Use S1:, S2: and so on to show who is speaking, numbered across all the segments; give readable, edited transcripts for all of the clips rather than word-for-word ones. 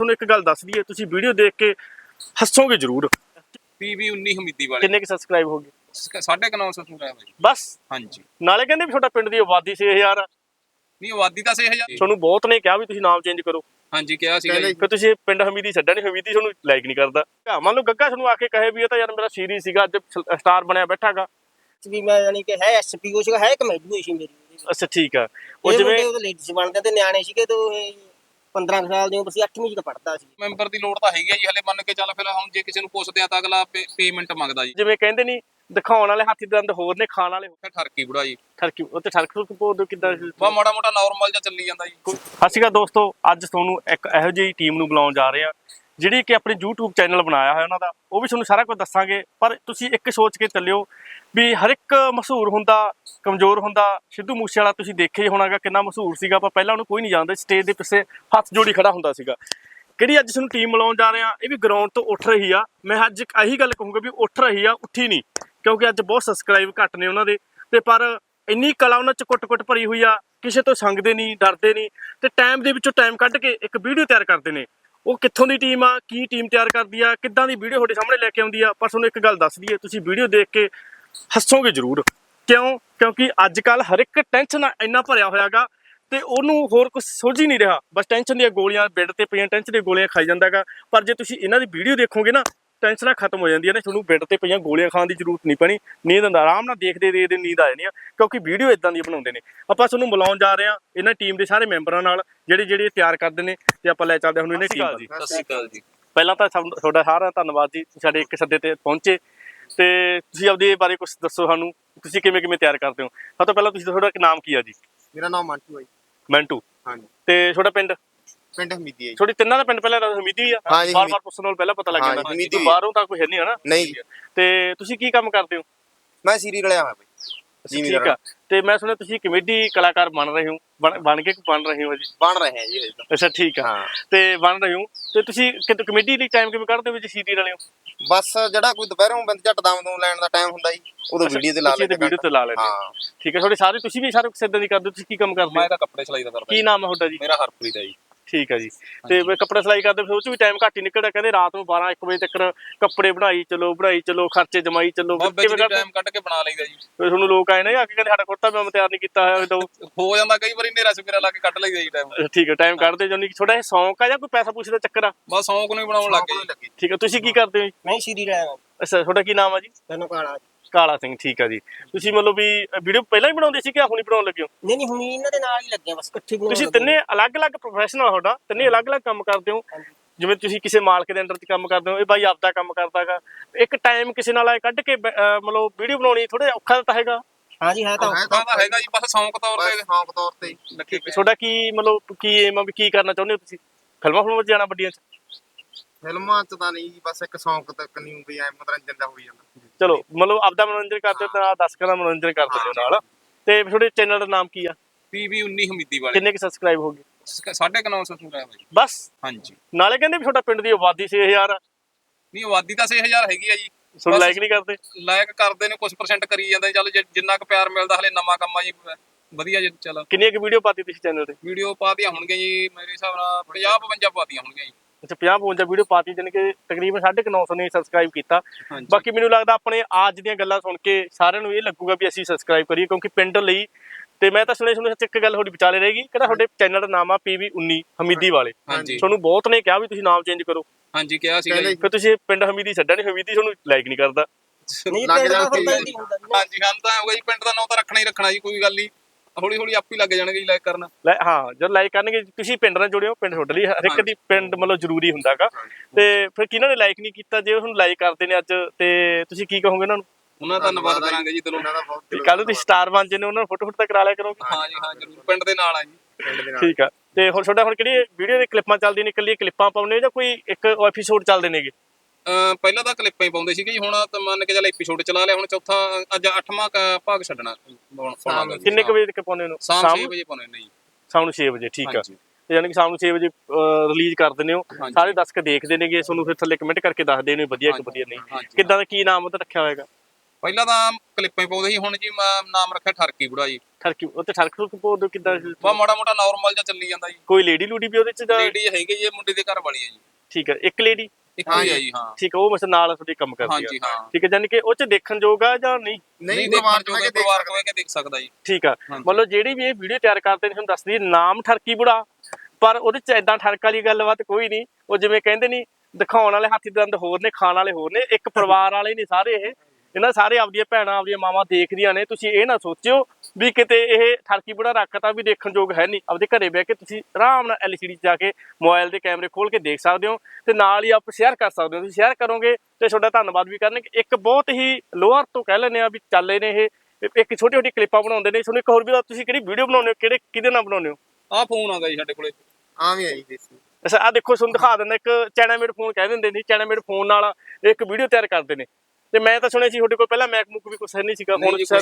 S1: ਤੁਹਾਨੂੰ ਇੱਕ ਗੱਲ ਦੱਸ ਦਈਏ, ਤੁਸੀਂ ਵੀਡੀਓ ਦੇਖ ਕੇ ਹੱਸੋਗੇ ਜ਼ਰੂਰ।
S2: ਪੀਵੀ 19 ਹਮੀਦੀ ਵਾਲੇ
S1: ਕਿੰਨੇ ਕੁ ਸਬਸਕ੍ਰਾਈਬ ਹੋ ਗਏ?
S2: 950 ਸਬਸਕ੍ਰਾਈਬ ਹੈ ਜੀ।
S1: ਬਸ
S2: ਹਾਂਜੀ,
S1: ਨਾਲੇ ਕਹਿੰਦੇ ਵੀ ਤੁਹਾਡਾ ਪਿੰਡ ਦੀ ਆਬਾਦੀ 6000 ਆ।
S2: ਨਹੀਂ ਆਬਾਦੀ ਤਾਂ 6000
S1: ਤੁਹਾਨੂੰ ਬਹੁਤ ਨੇ ਕਿਹਾ ਵੀ ਤੁਸੀਂ ਨਾਮ ਚੇਂਜ ਕਰੋ,
S2: ਹਾਂਜੀ ਕਿਹਾ ਸੀਗਾ ਜੀ।
S1: ਫਿਰ ਤੁਸੀਂ ਪਿੰਡ ਹਮੀਦੀ ਛੱਡਿਆ ਨਹੀਂ, ਹਮੀਦੀ ਤੁਹਾਨੂੰ ਲਾਈਕ ਨਹੀਂ ਕਰਦਾ। ਮੰਨ ਲਓ ਗੱਗਾ ਤੁਹਾਨੂੰ ਆ ਕੇ ਕਹੇ ਵੀ ਇਹ ਤਾਂ ਯਾਰ ਮੇਰਾ ਸੀਰੀਜ਼ ਸੀਗਾ, ਅੱਜ ਸਟਾਰ ਬਣਿਆ ਬੈਠਾਗਾ।
S3: ਵੀ ਮੈਂ ਯਾਨੀ ਕਿ ਹੈ ਐਸਪੀਓ ਸੀਗਾ, ਹੈ ਕਮੇਡੀ ਹੋਈ ਸੀ ਮੇਰੀ।
S1: ਅੱਛਾ ਠੀਕ ਆ।
S3: ਉਹ ਜਿਵੇਂ ਉਹਦੇ ਲੇਡੀਜ਼ ਬਣਦੇ ਤੇ ਨਿਆਣੇ ਸੀਗੇ ਤੇ ਇਹ 15 ਸਾਲ ਦੀ ਉਮਰ ਸੀ, 8ਵੀਂ ਚ ਪੜਦਾ ਸੀ।
S2: ਮੈਂਬਰ ਦੀ ਲੋੜ ਤਾਂ ਹੈਗੀ ਆ ਜੀ, ਹਲੇ ਮੰਨ ਕੇ ਚੱਲ। ਫਿਰ ਹੁਣ ਜੇ ਕਿਸੇ ਨੂੰ ਪੁੱਛਦੇ ਆ ਤਾਂ ਅਗਲਾ ਪੇਮੈਂਟ ਮੰਗਦਾ ਜੀ।
S1: ਜਿਵੇਂ ਕਹਿੰਦੇ ਨਹੀਂ ਦਿਖਾਉਣ ਵਾਲੇ ਹਾਥੀ ਦੰਦ ਹੋਰ ਨੇ, ਖਾਣ ਵਾਲੇ
S2: ਫਿਰ ਠਰਕੀ ਬੁੜਾ ਜੀ,
S1: ਠਰਕੀ ਉੱਤੇ ਠਰਕ ਠੁਰਕ ਪੋਦ ਕਿੱਦਾਂ?
S2: ਬਾ ਮਾੜਾ ਮੋਟਾ ਨਾਰਮਲ ਜਿਹਾ ਚੱਲੀ ਜਾਂਦਾ ਜੀ।
S1: ਸਤਿ ਸ਼੍ਰੀ ਅਕਾਲ ਦੋਸਤੋ, ਅੱਜ ਤੁਹਾਨੂੰ ਇੱਕ ਇਹੋ ਜਿਹੀ ਟੀਮ ਨੂੰ ਬੁਲਾਉਣ ਜਾ ਰਹੇ ਆ ਜਿਹੜੀ ਕਿ ਆਪਣੇ YouTube ਚੈਨਲ ਬਣਾਇਆ ਹੋਇਆ ਉਹਨਾਂ ਦਾ, ਉਹ ਵੀ ਤੁਹਾਨੂੰ ਸਾਰਾ ਕੁਝ ਦੱਸਾਂਗੇ। ਪਰ ਤੁਸੀਂ ਇੱਕ ਸੋਚ ਕੇ ਚੱਲਿਓ ਵੀ ਹਰ ਇੱਕ ਮਸ਼ਹੂਰ ਹੁੰਦਾ ਕਮਜ਼ੋਰ ਹੁੰਦਾ। ਸਿੱਧੂ ਮੂਸੇਵਾਲਾ ਤੁਸੀਂ ਦੇਖਿਆ ਹੀ ਹੋਣਾਗਾ, ਕਿੰਨਾ ਮਸ਼ਹੂਰ ਸੀਗਾ, ਪਰ ਪਹਿਲਾਂ ਉਹਨੂੰ ਕੋਈ ਨਹੀਂ ਜਾਣਦਾ। ਸਟੇਜ ਦੇ ਪਿੱਛੇ ਹੱਥ ਜੋੜੀ ਖੜਾ ਹੁੰਦਾ ਸੀਗਾ। ਕਿਹੜੀ ਅੱਜ ਤੁਹਾਨੂੰ ਟੀਮ ਮਿਲਾਉਣ ਜਾ ਰਹੇ ਆ, ਇਹ ਵੀ ਗਰਾਊਂਡ ਤੋਂ ਉੱਠ ਰਹੀ ਆ। ਮੈਂ ਅੱਜ ਇਹੀ ਗੱਲ ਕਹੂੰਗਾ ਵੀ ਉੱਠ ਰਹੀ ਆ, ਉੱਠੀ ਨਹੀਂ, ਕਿਉਂਕਿ ਅੱਜ ਬਹੁਤ ਸਬਸਕ੍ਰਾਈਬ ਘੱਟ ਨੇ ਉਹਨਾਂ ਦੇ। ਤੇ ਪਰ ਇੰਨੀ ਕਲਾ ਉਹਨਾਂ 'ਚ ਕੁੱਟ-ਕੁੱਟ ਭਰੀ ਹੋਈ ਆ, ਕਿਸੇ ਤੋਂ ਸੰਗਦੇ ਨਹੀਂ, ਡਰਦੇ ਨਹੀਂ, ਤੇ ਟਾਈਮ ਦੇ ਵਿੱਚੋਂ ਟਾਈਮ ਕੱਢ ਕੇ ਇੱਕ ਵੀਡੀਓ ਤਿਆਰ ਕਰਦੇ ਨੇ। ਉਹ ਕਿੱਥੋਂ ਦੀ ਟੀਮ ਆ, ਕੀ ਟੀਮ ਤਿਆਰ ਕਰਦੀ ਆ, ਕਿੱਦਾਂ ਦੀ ਵੀਡੀਓ ਤੁਹਾਡੇ ਸਾਹਮਣੇ ਲੈ ਕੇ ਆਉਂਦੀ ਆ। ਪਰ ਤੁਹਾਨੂੰ ਇੱਕ ਗੱਲ ਦੱਸ ਦਈਏ, ਤੁਸੀਂ ਵੀਡੀਓ ਦੇਖ ਕੇ ਹੱਸੋਗੇ ਜ਼ਰੂਰ। ਕਿਉਂਕਿ ਅੱਜ ਕੱਲ੍ਹ ਹਰ ਇੱਕ ਟੈਨਸ਼ਨ ਇੰਨਾ ਭਰਿਆ ਹੋਇਆਗਾ ਤੇ ਉਹਨੂੰ ਹੋਰ ਕੁਝ ਸੋਝ ਹੀ ਨਹੀਂ ਰਿਹਾ। ਬਸ ਟੈਨਸ਼ਨ ਦੀਆਂ ਗੋਲੀਆਂ ਬੈੱਡ ਤੇ ਪਈਆਂ, ਟੈਨਸ਼ਨ ਦੀਆਂ ਗੋਲੀਆਂ ਖਾਈ ਜਾਂਦਾਗਾ। ਪਰ ਜੇ ਤੁਸੀਂ ਇਹਨਾਂ ਦੀ ਵੀਡੀਓ ਦੇਖੋਗੇ ਨਾ, ਟੈਨਸ਼ਨਾਂ ਖਤਮ ਹੋ ਜਾਂਦੀਆਂ ਨੇ। ਤੁਹਾਨੂੰ ਬੈੱਡ ਤੇ ਪਈਆਂ ਗੋਲੀਆਂ ਖਾਣ ਦੀ ਜ਼ਰੂਰਤ ਨਹੀਂ ਪੈਣੀ। ਨੀਂਦ ਆਰਾਮ ਨਾਲ ਦੇਖਦੇ ਨੀਂਦ ਆ ਜਾਣੀ ਆ, ਕਿਉਂਕਿ ਵੀਡੀਓ ਇਦਾਂ ਦੀ ਬਣਾਉਂਦੇ ਨੇ। ਆਪਾਂ ਤੁਹਾਨੂੰ ਮਿਲਾਉਣ ਜਾ ਰਹੇ ਹਾਂ ਇਹਨਾਂ ਟੀਮ ਦੇ ਸਾਰੇ ਮੈਂਬਰਾਂ ਨਾਲ, ਜਿਹੜੇ ਤਿਆਰ ਕਰਦੇ ਨੇ। ਤੇ ਆਪਾਂ ਲੈ ਚੱਲਦੇ ਹੁਣ ਇਹਨਾਂ ਟੀਮ ਵੱਲ।
S2: ਸਤਿ ਸ਼੍ਰੀ ਅਕਾਲ ਜੀ।
S1: ਪਹਿਲਾਂ ਤਾਂ ਤੁਹਾਡਾ ਸਾਰਾ ਧੰਨਵਾਦ ਜੀ, ਸਾਡੇ ਇੱਕ ਸੱਦੇ ਤੇ ਪਹੁੰਚੇ। ਤੇ ਤੁਸੀਂ ਆਪਦੇ ਬਾਰੇ ਕੁਝ ਦੱਸੋ ਸਾਨੂੰ, ਤੁਸੀਂ ਕਿਵੇਂ ਤਿਆਰ ਕਰਦੇ ਹੋ? ਸਭ ਤੋਂ ਪਹਿਲਾਂ ਤੁਸੀਂ ਤੁਹਾਡਾ ਨਾਮ ਕੀ ਆ ਜੀ?
S4: ਮੇਰਾ ਨਾਮ ਮੰਟੂ ਹੈ ਜੀ।
S1: ਮੈਂਟੂ।
S4: ਹਾਂਜੀ।
S1: ਤੇ ਤੁਹਾਡਾ ਪਿੰਡ?
S4: ਪਿੰਡ ਹਮੀਦੀ ਹੈ ਜੀ।
S1: ਤੁਹਾਡੀ ਤਿੰਨਾਂ ਦਾ ਪਿੰਡ ਪਹਿਲਾਂ ਹਮੀਦੀ ਆ?
S4: ਹਾਂਜੀ,
S1: ਬਾਰ-ਬਾਰ ਪੁੱਛਣ ਨਾਲ ਪਹਿਲਾਂ ਪਤਾ ਲੱਗ ਜਾਂਦਾ।
S4: ਹਮੀਦੀ ਹੈ।
S1: ਬਾਹਰੋਂ ਤਾਂ ਕੋਈ ਹੈ ਨਹੀਂ ਹਨਾ?
S4: ਨਹੀਂ।
S1: ਤੇ ਤੁਸੀਂ ਕੀ ਕੰਮ ਕਰਦੇ ਹੋ?
S4: ਮੈਂ ਸੀਰੀ ਰਲਿਆ ਹੋਇਆ ਬਈ।
S1: ਠੀਕ ਆ। ਤੇ ਮੈਂ ਸੁਣਿਆ ਤੁਸੀਂ ਕਮੇਡੀ ਕਲਾਕਾਰ ਬਣ ਰਹੇ ਹੋ, ਬਣ ਕੇ ਬਣ ਰਹੇ ਹੋ ਜੀ?
S4: ਬਣ ਰਹੇ ਆ ਜੀ ਹਜੇ ਤਾਂ।
S1: ਅੱਛਾ ਠੀਕ ਆ।
S4: ਹਾਂ।
S1: ਤੇ ਬਣ ਰਹੇ ਹੋ ਤੇ ਤੁਸੀਂ ਕਮੇਡੀ ਲਈ ਟਾਈਮ ਕਿਵੇਂ ਕੱਢਦੇ ਹੋ ਜੀ ਸੀਰੀ ਵਾਲੇ ਹੋ?
S4: ਬਸ ਜਿਹੜਾ ਕੋਈ ਦੁਪਹਿਰੋਂ ਬਿੰਦ ਝੱਟ ਦਮ ਤੋਂ ਲੈਣ ਦਾ ਟਾਈਮ ਹੁੰਦਾ ਜੀ, ਉਦੋਂ ਵੀਡੀਓ ਤੇ ਲਾ ਲੈਂਦੇ।
S1: ਵੀਡੀਓ ਤੇ ਲਾ ਲੈਂਦੇ।
S4: ਹਾਂ
S1: ਠੀਕ ਹੈ। ਤੁਹਾਡੇ ਸਾਰੇ ਤੁਸੀਂ ਵੀ ਸਾਰੇ ਸਿੱਧਾ ਦੀ ਕਰਦੇ ਹੋ? ਤੁਸੀਂ ਕੀ ਕੰਮ ਕਰਦੇ ਹੋ?
S2: ਮੈਂ ਤਾਂ ਕੱਪੜੇ ਸਿਲਾਈ ਦਾ ਕਰਦਾ।
S1: ਕੀ ਨਾਮ ਹੈ ਤੁਹਾਡਾ ਜੀ?
S2: ਮੇਰਾ ਹਰਪ੍ਰੀਤ ਹੈ ਜੀ।
S1: ਠੀਕ ਹੈ ਜੀ। ਤੇ ਕੱਪੜੇ ਸਿਲਾਈ ਕਰਦੇ ਫਿਰ ਉਹ 'ਚ ਵੀ ਟਾਈਮ ਘੱਟ ਹੀ ਨਿਕਲਦਾ। ਕਹਿੰਦੇ ਰਾਤ ਨੂੰ 12-1 ਵਜੇ ਤੱਕ ਕੱਪੜੇ ਬਣਾਈ ਚਲੋ, ਖਰਚੇ ਜਮਾਈ ਚਲੋ।
S2: ਟਾਈਮ ਕੱਢ ਕੇ ਬਣਾ ਲਈਦਾ ਜੀ।
S1: ਫਿਰ ਤੁਹਾਨੂੰ ਲੋਕ ਆਏ ਨੇ ਆ ਕੇ ਕਹਿੰਦੇ ਸਾਡਾ ਕੁੜਤਾ ਪਜਾਮਾ ਤਿਆਰ ਨਹੀਂ ਕੀਤਾ ਹੋਇਆ।
S2: ਹੋ ਜਾਂਦਾ ਕਈ ਵਾਰੀ, ਹਨੇਰਾ ਸਵੇਰਾ ਲਾ ਕੇ ਕੱਢ ਲਈਦਾ ਜੀ ਟਾਈਮ।
S1: ਠੀਕ ਹੈ। ਟਾਈਮ ਕੱਢਦੇ ਜਾਨੀ ਕਿ ਥੋੜਾ ਇਹ ਸ਼ੌਂਕ ਆ ਜਾਂ ਕੋਈ ਪੈਸਾ ਪੂਸੇ ਦਾ ਚੱਕਰ ਆ?
S2: ਬਸ ਸ਼ੌਂਕ ਨੂੰ ਹੀ ਬਣਾਉਣ ਲੱਗ ਗਏ।
S1: ਠੀਕ ਹੈ। ਤੁਸੀਂ ਕੀ ਕਰਦੇ ਹੋ ਜੀ?
S3: ਮੈਂ ਸੀਰੀ ਰਹਿਆ।
S1: ਅੱਛਾ, ਤੁਹਾਡਾ ਕੀ ਨਾਮ ਆ ਜੀ?
S3: ਤੈਨੂੰ ਕਾਲਾ।
S1: ਕਾਲਾ ਸਿੰਘ। ਠੀਕ ਆ ਜੀ। ਤੁਸੀਂ ਮਤਲਬ ਵੀ ਵੀਡੀਓ ਪਹਿਲਾਂ ਹੀ ਬਣਾਉਂਦੇ ਸੀ ਕਿ ਹੁਣੀ ਬਣਾਉਣ ਲੱਗੇ ਹੋ?
S3: ਨਹੀਂ ਹੁਣ ਇਹਨਾਂ ਦੇ ਨਾਲ ਹੀ ਲੱਗੇ ਬਸ ਇਕੱਠੇ ਬਣਾਉਣ।
S1: ਤੁਸੀਂ ਤਿੰਨੇ ਅਲੱਗ-ਅਲੱਗ ਪ੍ਰੋਫੈਸ਼ਨਲ, ਤੁਹਾਡਾ ਤਿੰਨੇ ਅਲੱਗ-ਅਲੱਗ ਕੰਮ ਕਰਦੇ ਹੋ। ਜਿਵੇਂ ਤੁਸੀਂ ਕਿਸੇ ਮਾਲਕ ਦੇ ਅੰਡਰ 'ਚ ਕੰਮ ਕਰਦੇ ਹੋ, ਇਹ ਬਾਈ ਆਪਦਾ ਕੰਮ ਕਰਦਾਗਾ। ਇੱਕ ਟਾਈਮ ਕਿਸੇ ਨਾਲ ਕੱਢ ਕੇ ਮਤਲਬ ਵੀਡੀਓ ਬਣਾਉਣੀ ਥੋੜਾ ਔਖਾ ਤਾਂ ਹੈਗਾ?
S3: ਹਾਂਜੀ ਹੈ ਤਾਂ
S2: ਹੈਗਾ ਜੀ, ਬਸ ਸ਼ੌਂਕ ਤੌਰ ਤੇ।
S4: ਸ਼ੌਂਕ ਤੌਰ ਤੇ।
S1: ਤੁਹਾਡਾ ਕੀ ਮਤਲਬ ਕੀ ਏਮ ਆ ਵੀ ਕੀ ਕਰਨਾ ਚਾਹੁੰਦੇ ਹੋ ਤੁਸੀਂ? ਫਿਲਮਾਂ 'ਚ ਜਾਣਾ, ਵੱਡੀਆਂ 'ਚ?
S4: ਫਿਲਮਾਂ 'ਚ ਤਾਂ ਨਹੀਂ ਜੀ, ਬਸ ਇੱਕ ਸ਼ੌਂਕ ਤੱਕ ਨਹੀਂ ਵੀ ਐ ਮਨੋਰੰਜਨ ਦਾ ਹੋਈ ਜਾਂਦਾ।
S1: ਚਲੋ ਮਤਲਬ ਆਪਦਾ ਮਨੋਰੰਜਨ ਕਰਦੇ ਹੋ ਤਾਂ ਦਰਸ਼ਕਾਂ ਦਾ ਮਨੋਰੰਜਨ ਕਰਦੇ ਹੋ ਨਾਲ। ਤੇ ਤੁਹਾਡੇ ਚੈਨਲ ਦਾ ਨਾਮ ਕੀ ਆ?
S2: ਪੀਵੀ 19 ਹਮੀਦੀ ਵਾਲੇ।
S1: ਕਿੰਨੇ ਕੁ ਸਬਸਕ੍ਰਾਈਬ ਹੋ ਗਏ?
S2: 950 ਸਬਸਕ੍ਰਾਈਬ ਹੈ ਜੀ।
S1: ਬਸ
S2: ਹਾਂਜੀ।
S1: ਨਾਲੇ ਕਹਿੰਦੇ ਵੀ ਤੁਹਾਡਾ ਪਿੰਡ ਦੀ ਆਬਾਦੀ 6000 ਆ।
S2: ਨਹੀਂ ਆਬਾਦੀ ਤਾਂ 6000 ਹੈਗੀ ਆ ਜੀ।
S1: ਤੁਹਾਨੂੰ ਲਾਈਕ ਨਹੀਂ ਕਰਦੇ?
S2: ਲਾਇਕ ਕਰਦੇ ਨੇ, ਕੁਝ % ਕਰੀ ਜਾਂਦੇ। ਚੱਲ ਜਿੰਨਾ ਕੁ ਪਿਆਰ ਮਿਲਦਾ, ਹਲੇ ਨਵਾਂ ਕੰਮ ਆ ਜੀ, ਵਧੀਆ ਜੀ। ਚੱਲ
S1: ਕਿੰਨੀਆਂ ਕੁ ਵੀਡੀਓ ਪਾਤੀ ਤੁਸੀਂ ਚੈਨਲ ਤੇ?
S2: ਵੀਡੀਓ ਪਾਤੀਆਂ ਹੋਣਗੀਆਂ ਜੀ ਮੇਰੇ ਹਿਸਾਬ ਨਾਲ 50-52 ਪਾਤੀਆਂ ਹੋਣਗੀਆਂ ਜੀ।
S1: ਅੱਛਾ, 50-52 ਵੀਡੀਓ ਪਾਤੀ, ਜਾਣੀ ਕਿ ਤਕਰੀਬਨ 950 ਨੇ ਸਬਸਕ੍ਰਾਈਬ ਕੀਤਾ।
S2: ਹਾਂਜੀ।
S1: ਬਾਕੀ ਮੈਨੂੰ ਲੱਗਦਾ ਆਪਣੇ ਅੱਜ ਦੀਆਂ ਗੱਲਾਂ ਸੁਣ ਕੇ ਸਾਰਿਆਂ ਨੂੰ ਇਹ ਲੱਗੂਗਾ ਵੀ ਅਸੀਂ ਸਬਸਕ੍ਰਾਈਬ ਕਰੀਏ, ਕਿਉਂਕਿ ਪਿੰਡ ਲਈ। ਤੇ ਮੈਂ ਤਾਂ ਸੁਣਿਆ ਸੱਚ ਇੱਕ ਗੱਲ ਤੁਹਾਡੀ ਵਿਚਾਲੇ ਰਹੇਗੀ, ਕਹਿੰਦਾ ਤੁਹਾਡੇ ਚੈਨਲ ਦਾ ਨਾਮ ਆ PV 19 ਹਮੀਦੀ ਵਾਲੇ।
S2: ਹਾਂਜੀ।
S1: ਤੁਹਾਨੂੰ ਬਹੁਤ ਨੇ ਕਿਹਾ ਵੀ ਤੁਸੀਂ ਨਾਮ ਚੇਂਜ ਕਰੋ।
S2: ਹਾਂਜੀ ਕਿਹਾ ਸੀਗਾ ਜੀ।
S1: ਫਿਰ ਤੁਸੀਂ ਪਿੰਡ ਹਮੀਦੀ ਛੱਡਿਆ ਨਹੀਂ, ਹਮੀਦੀ ਤੁਹਾਨੂੰ ਲਾਈਕ ਨਹੀਂ ਕਰਦਾ।
S3: ਨਹੀਂ
S4: ਲੱਗ
S3: ਪਿੰਡ ਦਾ
S4: ਜਾਂਦੀ
S3: ਫਿਰ
S4: ਹੈ।
S3: ਪਿੰਡ ਹੀ ਹੁੰਦਾ ਜੀ।
S2: ਹਾਂਜੀ ਹਾਂ, ਤਾਂ ਹੋਗਾ ਜੀ। ਪਿੰਡ ਦਾ ਨਾਂ ਤਾਂ ਰੱਖਣਾ ਹੀ ਰੱਖਣਾ ਜੀ, ਕੋਈ ਗੱਲ ਨਹੀਂ। ਹੌਲੀ ਹੌਲੀ ਆਪ ਹੀ ਲੱਗ ਜਾਣਗੇ ਜੀ ਲਾਈਕ ਕਰਨਾ।
S1: ਹਾਂ, ਜਦ ਲਾਈਕ ਕਰਨਗੇ ਤੁਸੀਂ ਪਿੰਡ ਨਾਲ ਜੁੜਿਓ। ਪਿੰਡ ਤੁਹਾਡੇ ਲਈ ਹਰ ਇੱਕ ਦੀ ਪਿੰਡ ਮਤਲਬ ਜ਼ਰੂਰੀ ਹੁੰਦਾਗਾ। ਤੇ ਫਿਰ ਕਿਹਨਾਂ ਨੇ ਲਾਈਕ ਨਹੀਂ ਕੀਤਾ, ਜੇ ਉਹਨੂੰ ਲਾਈਕ ਕਰਦੇ ਨੇ ਅੱਜ, ਤੇ ਤੁਸੀਂ ਕੀ ਕਹੋਗੇ ਉਹਨਾਂ ਨੂੰ?
S2: ਉਹਨਾਂ ਦਾ ਧੰਨਵਾਦ ਕਰਾਂਗੇ ਜੀ ਦਿਲੋਂ।
S1: ਕੱਲ ਨੂੰ ਤੁਸੀਂ ਸਟਾਰ ਬਣ ਜਾਂਦੇ, ਉਹਨਾਂ ਨੂੰ ਫੋਟੋ ਤਾਂ ਕਰਾ ਲਿਆ ਕਰੋਗੇ।
S2: ਹਾਂ ਜੀ ਹਾਂ, ਜ਼ਰੂਰ। ਪਿੰਡ ਦੇ ਨਾਲ ਆ ਜੀ।
S1: ਠੀਕ ਆ। ਤੇ ਹੁਣ ਤੁਹਾਡਾ ਕਿਹੜੀ ਵੀਡੀਓ ਦੀ ਕਲਿੱਪਾਂ ਚੱਲਦੀਆਂ ਨੇ? ਇਕੱਲੀ ਕਲਿੱਪਾਂ ਪਾਉਂਦੇ ਜਾਂ ਕੋਈ ਇੱਕ ਐਪੀਸੋਡ ਚੱਲਦੇ ਨੇਗੇ?
S2: ਪਹਿਲਾਂ ਤਾਂ ਕਲਿੱਪਾਂ ਹੀ ਪਾਉਂਦੇ ਸੀਗੇ ਜੀ, ਹੁਣ ਤਾਂ ਮੰਨ ਕੇ ਚੱਲ ਐਪੀਸੋਡ ਚਲਾ ਲਿਆ। ਹੁਣ ਚੌਥਾ ਅੱਜ 8ਵਾਂ ਭਾਗ ਛੱਡਣਾ ਪਾਉਣਾ।
S1: ਕਿੰਨੇ ਕੁ ਵਜੇ ਤੱਕ ਪਾਉਂਦੇ ਹੋ?
S2: ਸ਼ਾਮ 6 ਵਜੇ ਪਾਉਣੇ ਨੇ ਜੀ।
S1: ਸ਼ਾਮ ਨੂੰ 6 ਵਜੇ। ਠੀਕ ਆ। ਤੇ ਯਾਨੀ ਕਿ ਸ਼ਾਮ ਨੂੰ 6 ਵਜੇ ਰਿਲੀਜ਼ ਕਰ ਦਿੰਦੇ ਹੋ। ਸਾਰੇ ਦਰਸ਼ਕ ਦੇਖਦੇ ਨੇਗੇ, ਤੁਹਾਨੂੰ ਫਿਰ ਥੱਲੇ ਕਮੈਂਟ ਕਰਕੇ ਦੱਸਦੇ ਨੇ ਵਧੀਆ ਕਿ ਵਧੀਆ ਨਹੀਂ। ਕਿੱਦਾਂ ਦਾ ਕੀ ਨਾਮ ਉਹਦਾ ਰੱਖਿਆ ਹੋਏਗਾ?
S2: ਪਹਿਲਾਂ ਤਾਂ ਕਲਿੱਪਾਂ ਹੀ ਪਾਉਂਦੇ ਸੀ, ਹੁਣ ਜੀ ਮੈਂ ਨਾਮ ਰੱਖਿਆ ਠਰਕੀ ਬੁੜਾ ਜੀ।
S1: ਠਰਕੀ ਉੱਤੇ ਠਰਕ ਪੋਦ ਕਿੱਦਾਂ
S2: ਬਾ ਮਾੜਾ ਮੋਟਾ ਨਾਰਮਲ ਜਿਹਾ ਚੱਲੀ ਜਾਂਦਾ ਜੀ।
S1: ਕੋਈ ਲੇਡੀ ਲੂਡੀ ਵੀ ਉਹਦੇ ਚ ਜਾਂ
S2: ਲੇਡੀ ਹੈਗੀ ਜੀ, ਇਹ ਮੁੰਡੇ ਦੇ ਘਰ ਵਾਲੀ ਹੈ ਜੀ।
S1: ਠੀਕ ਹੈ, ਇੱਕ ਲੇਡੀ
S2: ਇੱਕ ਹੀ ਹੈ ਜੀ। ਹਾਂ
S1: ਠੀਕ ਹੈ, ਉਹ ਮਸ ਨਾਲ ਤੁਹਾਡੀ ਕੰਮ ਕਰਦੀ
S2: ਹਾਂਜੀ
S1: ਆ।
S2: ਹਾਂ।
S1: ਠੀਕ ਹੈ, ਜਾਨੀ ਕਿ ਉਹ ਚ ਦੇਖਣ ਯੋਗ ਆ ਜਾਂ ਨਹੀਂ?
S4: ਨਹੀਂ
S2: ਪਰਿਵਾਰ
S4: ਪਰਿਵਾਰ ਚ
S2: ਪਰਿਵਾਰ ਕੋਲ ਕੇ ਦੇਖ ਸਕਦਾ ਜੀ।
S1: ਠੀਕ ਆ,
S2: ਹਾਂਜੀ।
S1: ਮਤਲਬ ਜਿਹੜੀ ਵੀ ਇਹ ਵੀਡੀਓ ਤਿਆਰ ਕਰਦੇ ਨੇ ਤੁਹਾਨੂੰ ਦੱਸ ਦਈਏ ਨਾਮ ਠਰਕੀ ਬੁੜਾ, ਪਰ ਉਹਦੇ ਚ ਏਦਾਂ ਠਰਕ ਵਾਲੀ ਗੱਲਬਾਤ ਕੋਈ ਨਹੀਂ। ਉਹ ਜਿਵੇਂ ਕਹਿੰਦੇ ਨਹੀਂ ਦਿਖਾਉਣ ਵਾਲੇ ਹਾਥੀ ਦੰਦ ਹੋਰ ਨੇ, ਖਾਣ ਵਾਲੇ ਹੋਰ ਨੇ। ਇੱਕ ਪਰਿਵਾਰ ਵਾਲੇ ਨੇ ਸਾਰੇ ਇਹ, ਇਹਨਾਂ ਸਾਰੇ ਆਪਦੀਆਂ ਭੈਣਾਂ ਆਪਦੀਆਂ ਮਾਵਾਂ ਦੇਖਦੀਆਂ ਨੇ। ਤੁਸੀਂ ਇਹ ਨਾ ਸੋਚਿਓ ਵੀ ਕਿਤੇ ਇਹ ਠਰਕੀ ਬੁੜਾ ਰੱਖਤਾ ਵੀ ਦੇਖਣ ਯੋਗ ਹੈ ਨਹੀਂ। ਆਪਦੇ ਘਰੇ ਬਹਿ ਕੇ ਤੁਸੀਂ ਆਰਾਮ ਨਾਲ LCD 'ਚ ਜਾ ਕੇ ਮੋਬਾਈਲ ਦੇ ਕੈਮਰੇ ਖੋਲ ਕੇ ਦੇਖ ਸਕਦੇ ਹੋ, ਤੇ ਨਾਲ ਹੀ ਆਪ ਸ਼ੇਅਰ ਕਰ ਸਕਦੇ ਹੋ। ਤੁਸੀਂ ਸ਼ੇਅਰ ਕਰੋਗੇ ਤੇ ਤੁਹਾਡਾ ਧੰਨਵਾਦ ਵੀ ਕਰਨਗੇ। ਇੱਕ ਬਹੁਤ ਹੀ ਲੋਅਰ ਤੋਂ ਕਹਿ ਲੈਂਦੇ ਆ ਵੀ ਚੱਲੇ ਨੇ ਇਹ, ਇੱਕ ਛੋਟੀ ਛੋਟੀ ਕਲਿੱਪਾਂ ਬਣਾਉਂਦੇ ਨੇ। ਤੁਹਾਨੂੰ ਇੱਕ ਹੋਰ ਵੀ ਦੱਸ, ਤੁਸੀਂ ਕਿਹੜੀ ਵੀਡੀਓ ਬਣਾਉਂਦੇ ਹੋ, ਕਿਹਦੇ ਨਾਲ ਬਣਾਉਂਦੇ ਹੋ?
S2: ਆਹ ਫੋਨ ਆ ਗਿਆ ਜੀ ਸਾਡੇ ਕੋਲੇ।
S4: ਆ ਵੀ ਆਈ ਦੇਸੀ।
S1: ਅੱਛਾ, ਆਹ ਦੇਖੋ ਤੁਹਾਨੂੰ ਦਿਖਾ ਦਿੰਦਾ, ਇੱਕ ਚਾਈਨਾਮੇਡ ਫੋਨ ਕਹਿ ਦਿੰਦੇ ਨੇ। ਚਾਈਨਾਮੇਡ ਫੋਨ ਨਾਲ ਇੱਕ ਵੀਡੀਓ ਤਿਆਰ ਕਰਦੇ ਨੇ। ਤੇ ਮੈਂ ਤਾਂ ਸੁਣਿਆ ਸੀ ਤੁਹਾਡੇ ਕੋਲ ਪਹਿਲਾਂ ਮੈਕ ਮੁੱਕ ਵੀ ਕੁਛ ਨਹੀਂ ਸੀਗਾ,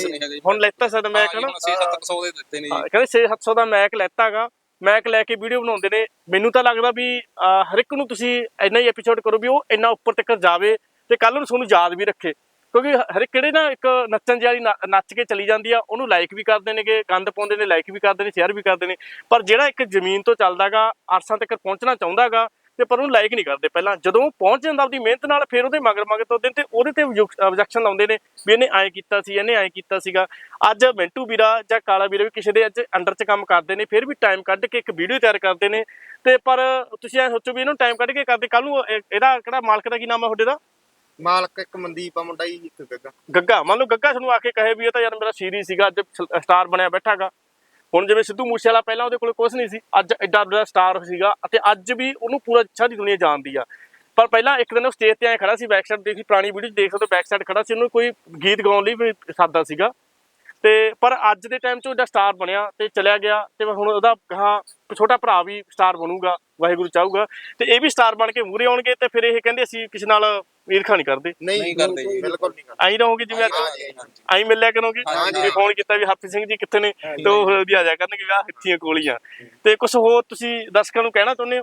S1: ਹੁਣ ਲੈਤਾ ਸਾਡਾ ਮੈਕ ਨਾ
S2: 6-700 ਦੇ ਦਿੱਤੇ ਨੇ ਜੀ।
S1: ਕਹਿੰਦੇ 6-700 ਦਾ ਮੈਕ ਲੈਤਾਗਾ। ਮੈਕ ਲੈ ਕੇ ਵੀਡੀਓ ਬਣਾਉਂਦੇ ਨੇ। ਮੈਨੂੰ ਤਾਂ ਲੱਗਦਾ ਵੀ ਹਰ ਇੱਕ ਨੂੰ ਤੁਸੀਂ ਇੰਨਾ ਹੀ ਐਪੀਸੋਡ ਕਰੋ ਵੀ ਉਹ ਇੰਨਾ ਉੱਪਰ ਤੱਕ ਜਾਵੇ ਤੇ ਕੱਲ ਨੂੰ ਤੁਹਾਨੂੰ ਯਾਦ ਵੀ ਰੱਖੇ। ਕਿਉਂਕਿ ਹਰ ਇੱਕ ਕਿਹੜੇ ਨਾ ਇੱਕ ਨੱਚਣ ਜਿਹੀ ਨੱਚ ਕੇ ਚਲੀ ਜਾਂਦੀ ਆ, ਉਹਨੂੰ ਲਾਈਕ ਵੀ ਕਰਦੇ ਨੇਗੇ, ਗੰਦ ਪਾਉਂਦੇ ਨੇ, ਲਾਈਕ ਵੀ ਕਰਦੇ ਨੇ, ਸ਼ੇਅਰ ਵੀ ਕਰਦੇ ਨੇ। ਪਰ ਜਿਹੜਾ ਇੱਕ ਜ਼ਮੀਨ ਤੋਂ ਚੱਲਦਾਗਾ, ਅਰਸਾਂ ਤੱਕ ਪਹੁੰਚਣਾ ਚਾਹੁੰਦਾਗਾ ਤੇ ਪਰ ਉਹਨੂੰ ਲਾਈਕ ਨਹੀਂ ਕਰਦੇ। ਪਹਿਲਾਂ ਜਦੋਂ ਉਹ ਪਹੁੰਚ ਜਾਂਦਾ ਆਪਦੀ ਮਿਹਨਤ ਨਾਲ, ਫਿਰ ਉਹਦੇ ਮਗਰ ਤੁਰਦੇ ਤੇ ਉਹਦੇ ਤੇ ਆਬਜੈਕਸ਼ਨ ਲਾਉਂਦੇ ਨੇ ਵੀ ਇਹਨੇ ਐਂ ਕੀਤਾ ਸੀ, ਇਹਨੇ ਐਂ ਕੀਤਾ ਸੀਗਾ। ਅੱਜ ਮਿੰਟੂ ਵੀਰਾ ਜਾਂ ਕਾਲਾ ਵੀਰਾ ਵੀ ਕਿਸੇ ਦੇ ਅੱਜ ਅੰਡਰ 'ਚ ਕੰਮ ਕਰਦੇ ਨੇ, ਫਿਰ ਵੀ ਟਾਈਮ ਕੱਢ ਕੇ ਇੱਕ ਵੀਡੀਓ ਤਿਆਰ ਕਰਦੇ ਨੇ। ਤੇ ਪਰ ਤੁਸੀਂ ਐਂ ਸੋਚੋ ਵੀ ਇਹਨੂੰ ਟਾਈਮ ਕੱਢ ਕੇ ਕਰਦੇ, ਕੱਲ ਨੂੰ ਇਹਦਾ ਕਿਹੜਾ ਮਾਲਕ ਦਾ ਕੀ ਨਾਮ ਹੈ ਤੁਹਾਡੇ ਦਾ?
S4: ਮਾਲਕ ਇੱਕ ਮਨਦੀਪ ਆ ਮੁੰਡਾ ਜੀ, ਇੱਕ ਗੱਗਾ।
S1: ਗੱਗਾ। ਮੰਨ ਲਓ ਗੱਗਾ ਤੁਹਾਨੂੰ ਆ ਕੇ ਕਹੇ ਵੀ ਇਹ ਤਾਂ ਯਾਰ ਮੇਰਾ ਸੀਰੀਜ਼ ਸੀਗਾ, ਅੱਜ ਸਟਾਰ ਬਣਿਆ ਬੈਠਾਗਾ। ਹੁਣ ਜਿਵੇਂ ਸਿੱਧੂ ਮੂਸੇਵਾਲਾ ਪਹਿਲਾਂ ਉਹਦੇ ਕੋਲ ਕੁਛ ਨਹੀਂ ਸੀ, ਅੱਜ ਐਡਾ ਵੱਡਾ ਸਟਾਰ ਸੀਗਾ ਅਤੇ ਅੱਜ ਵੀ ਉਹਨੂੰ ਪੂਰਾ ਸਾਰੀ ਦੁਨੀਆ ਜਾਣਦੀ ਆ। ਪਰ ਪਹਿਲਾਂ ਇੱਕ ਦਿਨ ਉਹ ਸਟੇਜ ਤੇ ਐਂ ਖੜਾ ਸੀ, ਬੈਕ ਸਾਈਡ ਦੇਖੀ ਪੁਰਾਣੀ ਵੀਡੀਓ ਦੇਖ ਸਕਦੇ, ਬੈਕ ਸਾਈਡ ਖੜਾ ਸੀ, ਉਹਨੂੰ ਕੋਈ ਗੀਤ ਗਾਉਣ ਲਈ ਵੀ ਸਾਦਾ ਸੀਗਾ। ਤੇ ਪਰ ਅੱਜ ਦੇ ਟਾਈਮ 'ਚ ਉਹਦਾ ਸਟਾਰ ਬਣਿਆ ਤੇ ਚਲਿਆ ਗਿਆ, ਤੇ ਹੁਣ ਉਹਦਾ ਕਹਾ ਛੋਟਾ ਭਰਾ ਵੀ ਸਟਾਰ ਬਣੂਗਾ, ਵਾਹਿਗੁਰੂ ਚਾਹੂਗਾ, ਤੇ ਇਹ ਵੀ ਸਟਾਰ ਬਣ ਕੇ ਮੂਹਰੇ ਆਉਣਗੇ। ਤੇ ਫਿਰ ਇਹ ਕਹਿੰਦੇ ਅਸੀਂ ਕਿਸੇ ਨਾਲ ਈਰਖਾ ਨਹੀਂ ਕਰਦੇ,
S4: ਨਹੀਂ
S2: ਕਰਦੇ ਜੀ,
S4: ਬਿਲਕੁਲ ਨਹੀਂ ਕਰਦੇ।
S1: ਆਈ ਰਹੋਗੇ ਜਿਵੇਂ ਆਈ ਮਿਲਿਆ ਕਰੋਗੇ। ਜੇ ਫੋਨ ਕੀਤਾ ਵੀ ਹਾਪੀ ਸਿੰਘ ਜੀ ਕਿੱਥੇ ਨੇ, ਤੇ ਉਹ ਵੀ ਆ ਜਾ ਕਰਨਗੇ ਵੀ ਆਹ ਇੱਥੀਆਂ ਕੋਲੀਆਂ। ਤੇ ਕੁਛ ਹੋਰ ਤੁਸੀਂ ਦਰਸ਼ਕਾਂ ਨੂੰ ਕਹਿਣਾ ਚਾਹੁੰਦੇ ਹੋ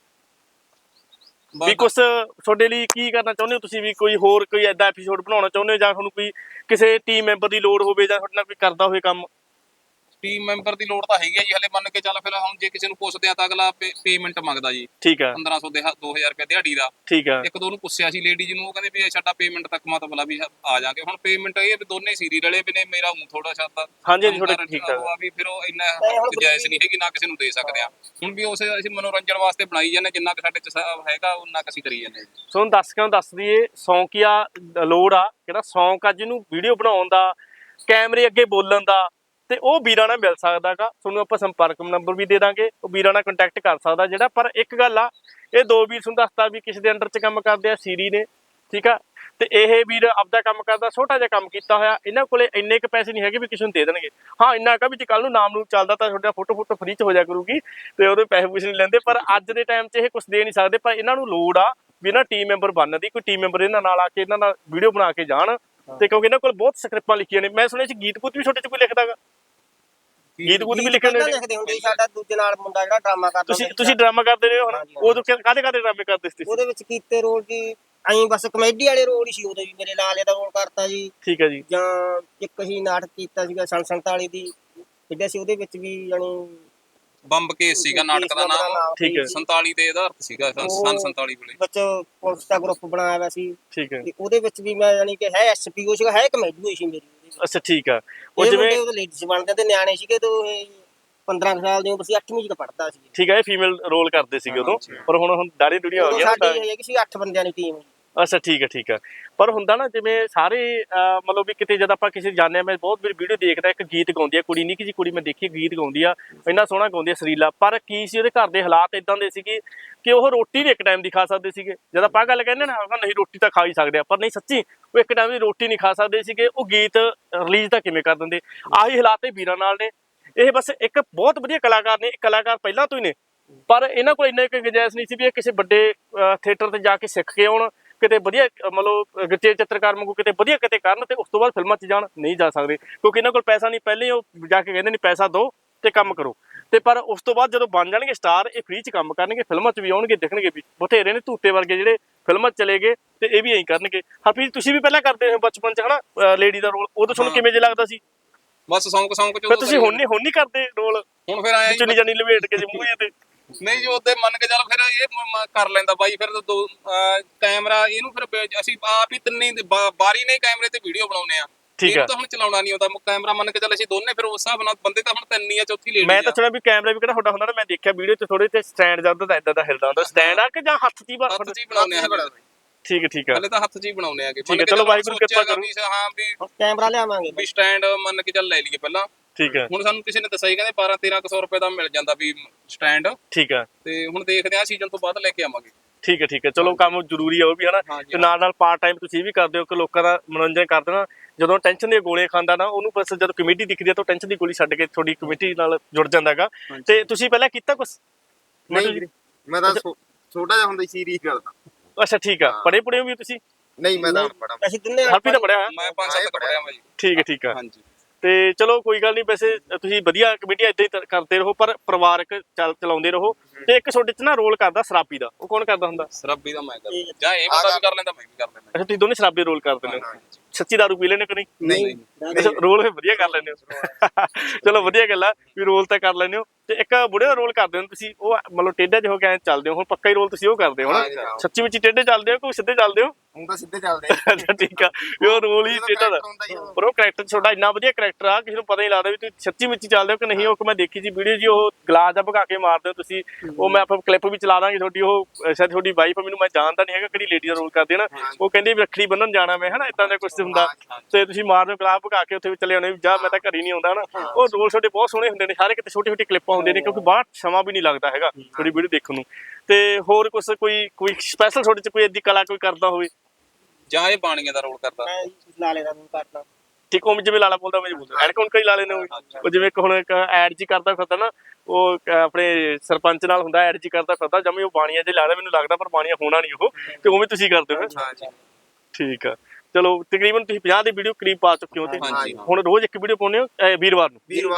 S1: ਵੀ ਕੁਛ ਤੁਹਾਡੇ ਲਈ ਕੀ ਕਰਨਾ ਚਾਹੁੰਦੇ ਹੋ ਤੁਸੀਂ, ਵੀ ਕੋਈ ਹੋਰ ਕੋਈ ਐਡਾ ਐਪੀਸੋਡ ਬਣਾਉਣਾ ਚਾਹੁੰਦੇ ਹੋ, ਜਾਂ ਤੁਹਾਨੂੰ ਕੋਈ ਕਿਸੇ ਟੀਮ ਮੈਂਬਰ ਦੀ ਲੋੜ ਹੋਵੇ, ਜਾਂ ਤੁਹਾਡੇ ਨਾਲ ਕੋਈ ਕਰਦਾ ਹੋਵੇ ਕੰਮ?
S2: ਟੀਮ ਮੈਂਬਰ ਦੀ ਲੋੜ ਤਾਂ ਹੈਗੀ ਹੈ ਜੀ, ਹਲੇ ਮੰਨ ਕੇ ਚੱਲ। ਫਿਰ ਹੁਣ ਜੇ ਕਿਸੇ ਨੂੰ ਪੁੱਛਦੇ ਆ ਤਾਂ ਅਗਲਾ ਪੇਮੈਂਟ ਮੰਗਦਾ ਜੀ।
S1: ਠੀਕ ਆ,
S2: 1500 ਦੇ 2000 ਰੁਪਏ ਦਿਹਾੜੀ ਦਾ।
S1: ਠੀਕ ਆ।
S2: ਇੱਕ ਦੋ ਨੂੰ ਪੁੱਛਿਆ ਸੀ ਲੇਡੀ ਜਿਹਨੂੰ, ਉਹ ਕਹਿੰਦੇ ਵੀ ਸਾਡਾ ਪੇਮੈਂਟ ਤੱਕ ਮਤਲਬ ਵੀ ਆ ਜਾਗੇ। ਹੁਣ ਪੇਮੈਂਟ ਇਹ ਵੀ ਦੋਨੇ ਸੀਰੀ ਰਲੇ ਵੀ ਨੇ, ਮੇਰਾ ਥੋੜਾ ਛੱਤਾ
S1: ਹਾਂਜੀ ਥੋੜਾ ਠੀਕ ਆ
S2: ਵੀ ਫਿਰ ਉਹ ਇੰਨਾ ਗੁੰਜਾਇਸ਼ ਨਹੀਂ ਹੈਗੀ, ਨਾ ਕਿਸੇ ਨੂੰ ਦੇ ਸਕਦੇ ਆ। ਹੁਣ ਵੀ ਉਸੇ ਅਸੀਂ ਮਨੋਰੰਜਨ ਵਾਸਤੇ ਬਣਾਈ ਜਾਂਦੇ, ਜਿੰਨਾ ਕਿ ਸਾਡੇ ਚ ਹੈਗਾ ਉਹਨਾਂ ਅਸੀਂ ਕਰੀ ਜਾਂਦੇ।
S1: ਤੁਹਾਨੂੰ ਦਰਸ਼ਕਾਂ ਨੂੰ ਦੱਸ ਦਈਏ, ਸ਼ੌਂਕੀਆ ਲੋੜ ਆ, ਕਿਹੜਾ ਸ਼ੌਂਕ ਆ ਜਿਹਨੂੰ ਵੀਡੀਓ ਬਣਾਉਣ ਦਾ, ਕੈਮਰੇ ਅੱਗੇ ਬੋਲਣ ਦਾ, ਤੇ ਉਹ ਵੀਰਾਂ ਨਾਲ ਮਿਲ ਸਕਦਾਗਾ। ਤੁਹਾਨੂੰ ਆਪਾਂ ਸੰਪਰਕ ਨੰਬਰ ਵੀ ਦੇ ਦਾਂਗੇ, ਉਹ ਵੀਰਾਂ ਨਾਲ ਕੰਟੈਕਟ ਕਰ ਸਕਦਾ ਜਿਹੜਾ। ਪਰ ਇੱਕ ਗੱਲ ਆ, ਇਹ ਦੋ ਵੀਰ ਤੁਹਾਨੂੰ ਦੱਸਤਾ ਵੀ ਕਿਸੇ ਦੇ ਅੰਡਰ 'ਚ ਕੰਮ ਕਰਦੇ ਆ, ਸੀਰੀ ਨੇ, ਠੀਕ ਆ। ਤੇ ਇਹ ਵੀਰ ਆਪਦਾ ਕੰਮ ਕਰਦਾ, ਛੋਟਾ ਜਿਹਾ ਕੰਮ ਕੀਤਾ ਹੋਇਆ। ਇਹਨਾਂ ਕੋਲੇ ਇੰਨੇ ਕੁ ਪੈਸੇ ਨਹੀਂ ਹੈਗੇ ਵੀ ਕਿਸੇ ਨੂੰ ਦੇ ਦੇਣਗੇ। ਹਾਂ ਇੰਨਾ ਕਾ ਵੀ ਜੇ ਕੱਲ ਨੂੰ ਨਾਮ ਨੂੰ ਚੱਲਦਾ ਤਾਂ ਤੁਹਾਡਾ ਫੋਟੋ ਫਰੀ 'ਚ ਹੋ ਜਾ ਕਰੂਗੀ, ਤੇ ਉਹਦੇ ਪੈਸੇ ਪੂਸੇ ਨਹੀਂ ਲੈਂਦੇ। ਪਰ ਅੱਜ ਦੇ ਟਾਈਮ 'ਚ ਇਹ ਕੁਛ ਦੇ ਨਹੀਂ ਸਕਦੇ। ਪਰ ਇਹਨਾਂ ਨੂੰ ਲੋੜ ਆ ਵੀ ਇਹਨਾਂ ਟੀਮ ਮੈਂਬਰ ਬਣਨ ਦੀ, ਕੋਈ ਟੀਮ ਮੈਂਬਰ ਇਹਨਾਂ ਨਾਲ ਆ ਕੇ ਇਹਨਾਂ ਨਾਲ ਵੀਡੀਓ ਬਣਾ ਕੇ ਜਾਣ। ਤੇ ਕਿਉਂਕਿ ਇਹਨਾਂ ਕੋਲ ਬਹੁਤ ਸਕ੍ਰਿਪਟਾਂ ਲਿਖੀਆਂ ਨੇ। ਮੈਂ ਸੁਣਿਆ ਸੀ ਗੀਤ ਗੂਤ ਵੀ ਛੋਟੇ 'ਚ ਕੋਈ ਲਿਖਦਾਗਾ, ਗੀਤ ਗੂਤ ਵੀ ਲਿਖਣ
S3: ਲਿਖਦੇ ਹੁੰਦੇ ਸੀ। ਸਾਡਾ ਦੂਜੇ ਨਾਲ ਮੁੰਡਾ ਜਿਹੜਾ ਡਰਾਮਾ ਕਰਦਾ,
S1: ਤੁਸੀਂ ਡਰਾਮਾ ਕਰਦੇ ਰਹੇ ਹੋ ਹੁਣ, ਉਦੋਂ ਕਾਹਦੇ ਡਰਾਮੇ ਕਰਦੇ ਸੀ?
S3: ਉਹਦੇ ਵਿੱਚ ਕੀਤੇ ਰੋਲ ਜੀ ਐਂ ਬਸ ਕਮੇਡੀ ਵਾਲੇ ਰੋਲ ਹੀ ਸੀ। ਉਦੋਂ ਵੀ ਮੇਰੇ ਲਾਲੇ ਦਾ ਰੋਲ ਕਰਤਾ ਜੀ।
S1: ਠੀਕ ਹੈ ਜੀ।
S3: ਜਾਂ ਇੱਕ ਹੀ ਨਾਟਕ ਕੀਤਾ ਸੀਗਾ ਸੰਤਾਲੀ ਦੀ, ਖੇਡਿਆ ਸੀ, ਉਹਦੇ ਵਿੱਚ ਵੀ ਜਾਣੀ
S2: ਬੰਬ ਕੇਸ ਸੀਗਾ ਨਾਟਕ ਦਾ ਨਾਮ।
S1: ਠੀਕ ਹੈ।
S2: 47 ਤੇ ਇਹਦਾ ਅਰਥ ਸੀਗਾ, ਸਨ 47 ਵੇਲੇ
S3: ਵਿੱਚ ਪੁਲਿਸ ਦਾ ਗਰੁੱਪ ਬਣਾਇਆ ਹੋਇਆ ਸੀ।
S1: ਠੀਕ ਹੈ।
S3: ਤੇ ਉਹਦੇ ਵਿੱਚ ਵੀ ਮੈਂ ਜਾਣੀ ਕਿ ਹੈ ਐਸਪੀਓ ਸੀਗਾ, ਹੈ ਕਮੇਡੀ ਹੋਈ ਸੀ ਮੇਰੀ।
S1: ਅੱਛਾ ਠੀਕ ਆ। ਉਹ ਜਿਵੇਂ
S3: ਲੇਡੀਜ਼ ਬਣਦੇ ਤੇ ਨਿਆਣੇ ਸੀਗੇ, ਤੇ ਇਹ 15 ਸਾਲ ਦੀ ਉਮਰ ਸੀ, 8ਵੀਂ ਚ ਪੜ੍ਹਦਾ ਸੀ।
S1: ਠੀਕ ਹੈ, ਇਹ ਫੀਮੇਲ ਰੋਲ ਕਰਦੇ ਸੀਗੇ ਉਦੋਂ, ਪਰ ਹੁਣ ਦਾੜੀ ਦੁੜੀਆਂ ਹੋ ਗਈਆਂ।
S3: ਸਾਡੀ ਹੈਗੀ ਸੀ 8 ਬੰਦਿਆਂ ਦੀ ਟੀਮ।
S1: ਅੱਛਾ ਠੀਕ ਹੈ, ਠੀਕ ਹੈ। ਪਰ ਹੁੰਦਾ ਨਾ ਜਿਵੇਂ ਸਾਰੇ ਮਤਲਬ ਵੀ ਕਿਤੇ ਜਦ ਆਪਾਂ ਕਿਸੇ ਜਾਂਦੇ ਆ, ਮੈਂ ਬਹੁਤ ਵੀਡੀਓ ਦੇਖਦਾ, ਇੱਕ ਗੀਤ ਗਾਉਂਦੀ ਆ ਕੁੜੀ, ਨਿੱਕੀ ਜਿਹੀ ਕੁੜੀ ਮੈਂ ਦੇਖੀ, ਗੀਤ ਗਾਉਂਦੀ ਆ, ਇੰਨਾ ਸੋਹਣਾ ਗਾਉਂਦੀ ਆ, ਸਰੀਲਾ। ਪਰ ਕੀ ਸੀ ਉਹਦੇ ਘਰ ਦੇ ਹਾਲਾਤ ਇਦਾਂ ਦੇ ਸੀਗੇ ਕਿ ਉਹ ਰੋਟੀ ਵੀ ਇੱਕ ਟਾਈਮ ਦੀ ਖਾ ਸਕਦੇ ਸੀਗੇ। ਜਦ ਆਪਾਂ ਗੱਲ ਕਹਿੰਦੇ ਨਾ ਨਹੀਂ ਰੋਟੀ ਤਾਂ ਖਾ ਹੀ ਸਕਦੇ ਆ, ਪਰ ਨਹੀਂ ਸੱਚੀ ਉਹ ਇੱਕ ਟਾਈਮ ਦੀ ਰੋਟੀ ਨਹੀਂ ਖਾ ਸਕਦੇ ਸੀਗੇ। ਉਹ ਗੀਤ ਰਿਲੀਜ਼ ਤਾਂ ਕਿਵੇਂ ਕਰ ਦਿੰਦੇ? ਆਹੀ ਹਾਲਾਤ ਇਹ ਵੀਰਾਂ ਨਾਲ ਨੇ। ਇਹ ਬਸ ਇੱਕ ਬਹੁਤ ਵਧੀਆ ਕਲਾਕਾਰ ਨੇ, ਕਲਾਕਾਰ ਪਹਿਲਾਂ ਤੋਂ ਹੀ ਨੇ, ਪਰ ਇਹਨਾਂ ਕੋਲ ਇੰਨਾ ਇੱਕ ਗੁੰਜਾਇਸ਼ ਨਹੀਂ ਸੀ ਵੀ ਇਹ ਕਿਸੇ ਵੱਡੇ ਥੀਏਟਰ ਤੇ ਜਾ ਕੇ ਸਿੱਖ ਕੇ ਆਉਣ, ਕਿਤੇ ਵਧੀਆ ਮਤਲਬ ਗੱਚੇ ਚਿੱਤਰਕਾਰ ਵਾਂਗੂ ਕਿਤੇ ਵਧੀਆ ਕਿਤੇ ਕਰਨ, ਤੇ ਉਸ ਤੋਂ ਬਾਅਦ ਫਿਲਮਾਂ 'ਚ ਜਾਣ। ਨਹੀਂ ਜਾ ਸਕਦੇ ਕਿਉਂਕਿ ਇਹਨਾਂ ਕੋਲ ਪੈਸਾ ਨਹੀਂ। ਪਹਿਲੇ ਉਹ ਜਾ ਕੇ ਕਹਿੰਦੇ ਨਹੀਂ ਪੈਸਾ ਦਿਓ ਤੇ ਕੰਮ ਕਰੋ। ਤੇ ਪਰ ਉਸ ਤੋਂ ਬਾਅਦ ਜਦੋਂ ਬਣ ਜਾਣਗੇ ਸਟਾਰ ਇਹ ਫ੍ਰੀ 'ਚ ਕੰਮ ਕਰਨਗੇ, ਫਿਲਮਾਂ 'ਚ ਵੀ ਆਉਣਗੇ, ਦਿਖਣਗੇ ਵੀ ਬਥੇਰੇ ਨੇ ਧੂਤੇ ਵਰਗੇ ਜਿਹੜੇ ਫਿਲਮਾਂ 'ਚ ਚਲੇ ਗਏ ਤੇ ਇਹ ਵੀ ਐਂ ਕਰਨਗੇ। ਹਰਪ੍ਰੀਤ ਤੁਸੀਂ ਵੀ ਪਹਿਲਾਂ ਕਰਦੇ ਹੋ ਬਚਪਨ 'ਚ ਹਨਾ ਲੇਡੀ ਦਾ ਰੋਲ, ਉਦੋਂ ਤੁਹਾਨੂੰ ਕਿਵੇਂ ਜੇ ਲੱਗਦਾ ਸੀ?
S2: ਬਸ ਸੌਂਕ ਚ
S1: ਫਿਰ ਤੁਸੀਂ ਹੁਣ ਨਹੀਂ ਕਰਦੇ ਰੋਲ?
S2: ਹੁਣ ਫਿਰ ਆਇਆ
S1: ਚੁੰਨੀ ਜਾਨੀ ਲਵੇਟ ਕੇ ਜੇ ਮੂੰਹ ਤੇ?
S2: ਨਹੀਂ ਜੀ ਉਹਦੇ ਮੰਨ ਕੇ ਚੱਲ ਫਿਰ ਇਹ ਕਰ ਲੈਂਦਾ ਬਾਈ, ਫਿਰ ਕੈਮਰਾ ਇਹਨੂੰ ਫਿਰ ਅਸੀਂ ਆਪ ਹੀ ਤਿੰਨੇ ਬਾਰੀ ਨੇ ਕੈਮਰੇ ਤੇ ਵੀਡੀਓ ਬਣਾਉਨੇ ਆ।
S1: ਠੀਕ
S2: ਇਹਨੂੰ ਤਾਂ ਹੁਣ ਚਲਾਉਣਾ ਨਹੀਂ ਆਉਂਦਾ ਕੈਮਰਾ, ਮੰਨ ਕੇ ਚੱਲ ਅਸੀਂ ਦੋਨੇ ਫਿਰ ਉਸ ਹਿਸਾਬ ਨਾਲ ਬੰਦੇ ਤਾਂ ਹੁਣ ਤਿੰਨ ਹੀ ਆ, ਚੌਥੀ ਲੇਡੀ
S1: ਮੈਂ ਤਾਂ ਸੁਣਿਆ ਵੀ ਕੈਮਰਾ ਵੀ ਕਿਹੜਾ ਤੁਹਾਡਾ ਹੁੰਦਾ ਨਾ, ਮੈਂ ਦੇਖਿਆ ਵੀਡੀਓ 'ਚ ਥੋੜੇ ਤੇ ਸਟੈਂਡ ਜਾਂਦਾ ਤਾਂ ਇਦਾਂ ਦਾ ਹਿਲਦਾ ਹੁੰਦਾ, ਸਟੈਂਡ ਆ ਕਿ ਜਾਂ ਹੱਥ 'ਚ ਹੀ
S2: ਹੱਥ 'ਚ ਹੀ ਬਣਾਉਨੇ ਆ।
S1: ਠੀਕ ਹੈ ਠੀਕ ਹੈ,
S2: ਹਲੇ ਤਾਂ ਹੱਥ 'ਚ ਹੀ ਬਣਾਉਨੇ ਆਗੇ।
S1: ਠੀਕ ਹੈ, ਚਲੋ ਵਾਹਿਗੁਰੂ ਕਿਰਪਾ ਕਰੋ।
S2: ਹਾਂ ਵੀ
S3: ਕੈਮਰਾ ਲਿਆਵਾਂਗੇ
S2: ਵੀ ਸਟੈਂਡ ਮੰਨ ਕੇ ਚੱਲ ਲੈ ਲਈਏ ਪਹਿਲਾਂ।
S1: ਠੀਕ ਹੈ,
S2: ਹੁਣ ਸਾਨੂੰ ਕਿਸੇ ਨੇ ਦੱਸਿਆ ਹੀ ਕਹਿੰਦੇ 12-1300 ਰੁਪਏ ਦਾ ਮਿਲ ਜਾਂਦਾ ਵੀ ਸਟੈਂਡ,
S1: ਠੀਕ ਹੈ,
S2: ਤੇ ਹੁਣ ਦੇਖਦੇ ਆ ਸੀਜ਼ਨ ਤੋਂ ਬਾਅਦ ਲੈ ਕੇ ਆਵਾਂਗੇ।
S1: ਠੀਕ ਹੈ, ਠੀਕ ਹੈ, ਚਲੋ ਕੰਮ ਜ਼ਰੂਰੀ ਆ ਉਹ ਵੀ ਹਨਾ, ਤੇ ਨਾਲ ਨਾਲ ਪਾਰਟ ਟਾਈਮ ਤੁਸੀਂ ਵੀ ਕਰਦੇ ਹੋ ਕਿ ਲੋਕਾਂ ਦਾ ਮਨੋਰੰਜਨ ਕਰਦੇ ਨਾ। ਜਦੋਂ ਟੈਨਸ਼ਨ ਦੀਆਂ ਗੋਲੀਆਂ ਖਾਂਦਾ ਨਾ ਉਹਨੂੰ ਬਸ ਜਦੋਂ ਕਮੇਟੀ ਦਿਖਦੀ ਆ ਤਾਂ ਟੈਨਸ਼ਨ ਦੀ ਗੋਲੀ ਛੱਡ ਕੇ ਤੁਹਾਡੀ ਕਮੇਟੀ ਨਾਲ ਜੁੜ ਜਾਂਦਾ ਹੈਗਾ। ਤੇ ਤੁਸੀਂ ਪਹਿਲਾਂ ਕੀਤਾ ਕੁਛ?
S4: ਨਹੀਂ ਮੈਂ ਤਾਂ ਛੋਟਾ ਜਿਹਾ ਹੁੰਦਾ ਸੀ ਰੀਸ ਕਰਦਾ।
S1: ਅੱਛਾ ਠੀਕ ਆ, ਪੜ੍ਹੇ ਪੁੜੇ ਵੀ ਤੁਸੀਂ?
S4: ਨਹੀਂ ਮੈਂ ਤਾਂ ਪੜਾ।
S3: ਅਸੀਂ ਤਿੰਨੇ
S1: ਹਰਪ੍ਰੀਤ ਤਾਂ ਪੜਿਆ ਹੋਇਆ?
S2: ਮੈਂ 5-7 ਪੜਿਆ ਮੈਂ ਜੀ।
S1: ਠੀਕ ਹੈ ਠੀਕ ਆ,
S2: ਹਾਂਜੀ
S1: ਤੇ ਚਲੋ ਕੋਈ ਗੱਲ ਨਹੀਂ, ਵੈਸੇ ਤੁਸੀਂ ਵਧੀਆ ਕਮੇਟੀਆਂ ਇਦਾਂ ਹੀ ਕਰਦੇ ਰਹੋ ਪਰ ਪਰਿਵਾਰਕ ਚਲਾਉਂਦੇ ਰਹੋ। ਤੇ ਇੱਕ ਤੁਹਾਡੇ 'ਚ ਨਾ ਰੋਲ ਕਰਦਾ ਸ਼ਰਾਬੀ ਦਾ, ਉਹ ਕੌਣ ਕਰਦਾ ਹੁੰਦਾ?
S2: ਸ਼ਰਾਬੀ ਦਾ ਮੈਂ ਕਰਦਾ, ਜਾਂ ਇਹ ਬੰਦਾ ਵੀ ਕਰ ਲੈਂਦਾ ਮੈਂ ਵੀ ਕਰ ਲੈਂਦਾ।
S1: ਅੱਛਾ ਤੁਸੀਂ ਦੋਨੇ ਸ਼ਰਾਬੀ ਰੋਲ ਕਰਦੇ ਨੇ? ਸੱਚੀ ਦਾਰੂ ਪੀ ਲੈਣੇ ਕਿ ਨਹੀਂ?
S4: ਨਹੀਂ
S1: ਰੋਲ ਫਿਰ ਵਧੀਆ ਕਰ ਲੈਂਦੇ ਹੋ। ਚਲੋ ਵਧੀਆ ਗੱਲ ਆ ਵੀ ਰੋਲ ਤਾਂ ਕਰ ਲੈਂਦੇ ਹੋ। ਤੇ ਇੱਕ ਬੁੜੇ ਦਾ ਰੋਲ ਕਰਦੇ ਹੋ ਤੁਸੀਂ, ਉਹ ਮਤਲਬ ਟੇਢਾ ਜਿਹਾ ਹੋ ਕੇ ਚੱਲਦੇ ਹੋ, ਹੁਣ ਪੱਕਾ ਹੀ ਰੋਲ ਤੁਸੀਂ ਉਹ ਕਰਦੇ ਹੋ ਨਾ? ਸੱਚੀ ਵਿੱਚ ਟੇਢੇ ਚੱਲਦੇ ਹੋ ਕਿ ਸਿੱਧੇ ਚੱਲਦੇ ਹੋ?
S4: ਹੁਣ ਤਾਂ ਸਿੱਧੇ ਚੱਲਦੇ ਆ।
S1: ਅੱਛਾ ਠੀਕ ਆ, ਵੀ ਉਹ ਰੋਲ ਹੀ ਟੇਢਾ ਦਾ, ਪਰ ਉਹ ਕਰੈਕਟਰ ਤੁਹਾਡਾ ਇੰਨਾ ਵਧੀਆ ਕਰੈਕਟਰ ਆ ਕਿਸੇ ਨੂੰ ਪਤਾ ਨਹੀਂ ਲੱਗਦਾ ਵੀ ਤੁਸੀਂ ਸੱਚੀ ਵਿੱਚ ਚੱਲਦੇ ਹੋ ਕਿ ਨਹੀਂ। ਉਹ ਮੈਂ ਦੇਖੀ ਸੀ ਵੀਡੀਓ ਜੀ, ਉਹ ਗਲਾਸ ਦਾ ਭਗਾ ਕੇ ਮਾਰਦੇ ਹੋ ਤੁਸੀਂ, ਉਹ ਮੈਂ ਆਪਾਂ ਕਲਿੱਪ ਵੀ ਚਲਾ ਦਾਂਗੇ ਤੁਹਾਡੀ। ਉਹ ਸ਼ਾਇਦ ਤੁਹਾਡੀ ਵਾਈਫ, ਮੈਨੂੰ ਮੈਂ ਜਾਣਦਾ ਨਹੀਂ ਹੈਗਾ ਕਿਹੜੀ ਲੇਡੀ ਦਾ ਰੋਲ ਕਰਦੇ ਨਾ, ਉਹ ਕਹਿੰਦੀ ਵੀ ਰੱਖੜੀ ਬੰਨਣ ਜਾਣਾ ਮੈਂ ਹਨਾ, ਇਦਾਂ ਦਾ ਕੁਛ ਹੁੰਦਾ, ਤੇ ਤੁਸੀਂ ਮਾਰਦੇ ਹੋ ਗਲਾਸ ਭਗਾ ਕੇ ਉੱਥੇ ਵੀ ਚਲੇ ਆਉਣੇ ਵੀ ਜਾ ਮੈਂ ਤਾਂ ਘਰ ਹੀ ਨਹੀਂ ਆਉਂਦਾ ਹਨਾ। ਉਹ ਰੋਲ ਤੁਹਾਡੇ ਬਹੁਤ ਸੋਹਣੇ ਹੁੰਦੇ ਨੇ, ਸਾਰੇ ਕਿਤੇ ਛੋਟੀ ਛੋਟੀ ਕਲਿੱਪਾਂ ਹੁੰਦੇ ਨੇ, ਕਿਉਂਕਿ ਬਾਹਰ ਸਮਾਂ ਵੀ ਨਹੀਂ ਲੱਗਦਾ ਹੈਗਾ ਤੁਹਾਡੀ ਵੀਡੀਓ ਦੇਖਣ ਨੂੰ। ਤੇ ਹੋਰ ਕੁਛ ਕੋਈ ਸਪੈਸ਼ਲ ਤੁਹਾਡੇ 'ਚ ਕੋਈ ਏਦੀ ਕਲਾ ਕੋਈ ਕਰਦਾ ਹੋਵੇ?
S2: ਜਾਂ ਇਹ ਬਾਣੀਆਂ ਦਾ ਰੋਲ ਕਰਦਾ।
S3: ਮੈਂ ਲਾਲੇ ਦਾ ਰੋਲ ਕਰਦਾ।
S1: ਠੀਕ, ਉਹ ਜਿਵੇਂ ਲਾਲਾ ਬੋਲਦਾ ਮੈਂ ਬੋਲਦਾ, ਐਡ ਕੌਣ ਕਈ ਲਾ ਲੈਣੇ ਉਹ ਜਿਵੇਂ ਇੱਕ ਹੁਣ ਇੱਕ ਐਡ ਜੀ ਕਰਦਾ ਫਿਰਦਾ ਨਾ, ਉਹ ਆਪਣੇ ਸਰਪੰਚ ਨਾਲ ਹੁੰਦਾ ਐਡ ਜੀ ਕਰਦਾ ਫਿਰਦਾ ਜਮੇ, ਉਹ ਬਾਣੀਆਂ ਜੇ ਲੱਗਦਾ ਮੈਨੂੰ ਲੱਗਦਾ, ਪਰ ਬਾਣੀਆਂ ਹੋਣਾ ਨਹੀਂ ਉਹ, ਤੇ ਉਵੇਂ ਤੁਸੀਂ ਕਰਦੇ ਹੋ? ਠੀਕ ਆ, ਚਲੋ ਤਕਰੀਬਨ ਤੁਸੀਂ 50 ਦੀ ਵੀਡੀਓ ਕਰੀਬ ਪਾ ਚੁੱਕੇ ਹੋ, ਤੇ ਹੁਣ ਰੋਜ਼ ਇੱਕ ਵੀਡੀਓ ਪਾਉਂਦੇ ਹੋ? ਵੀਰਵਾਰ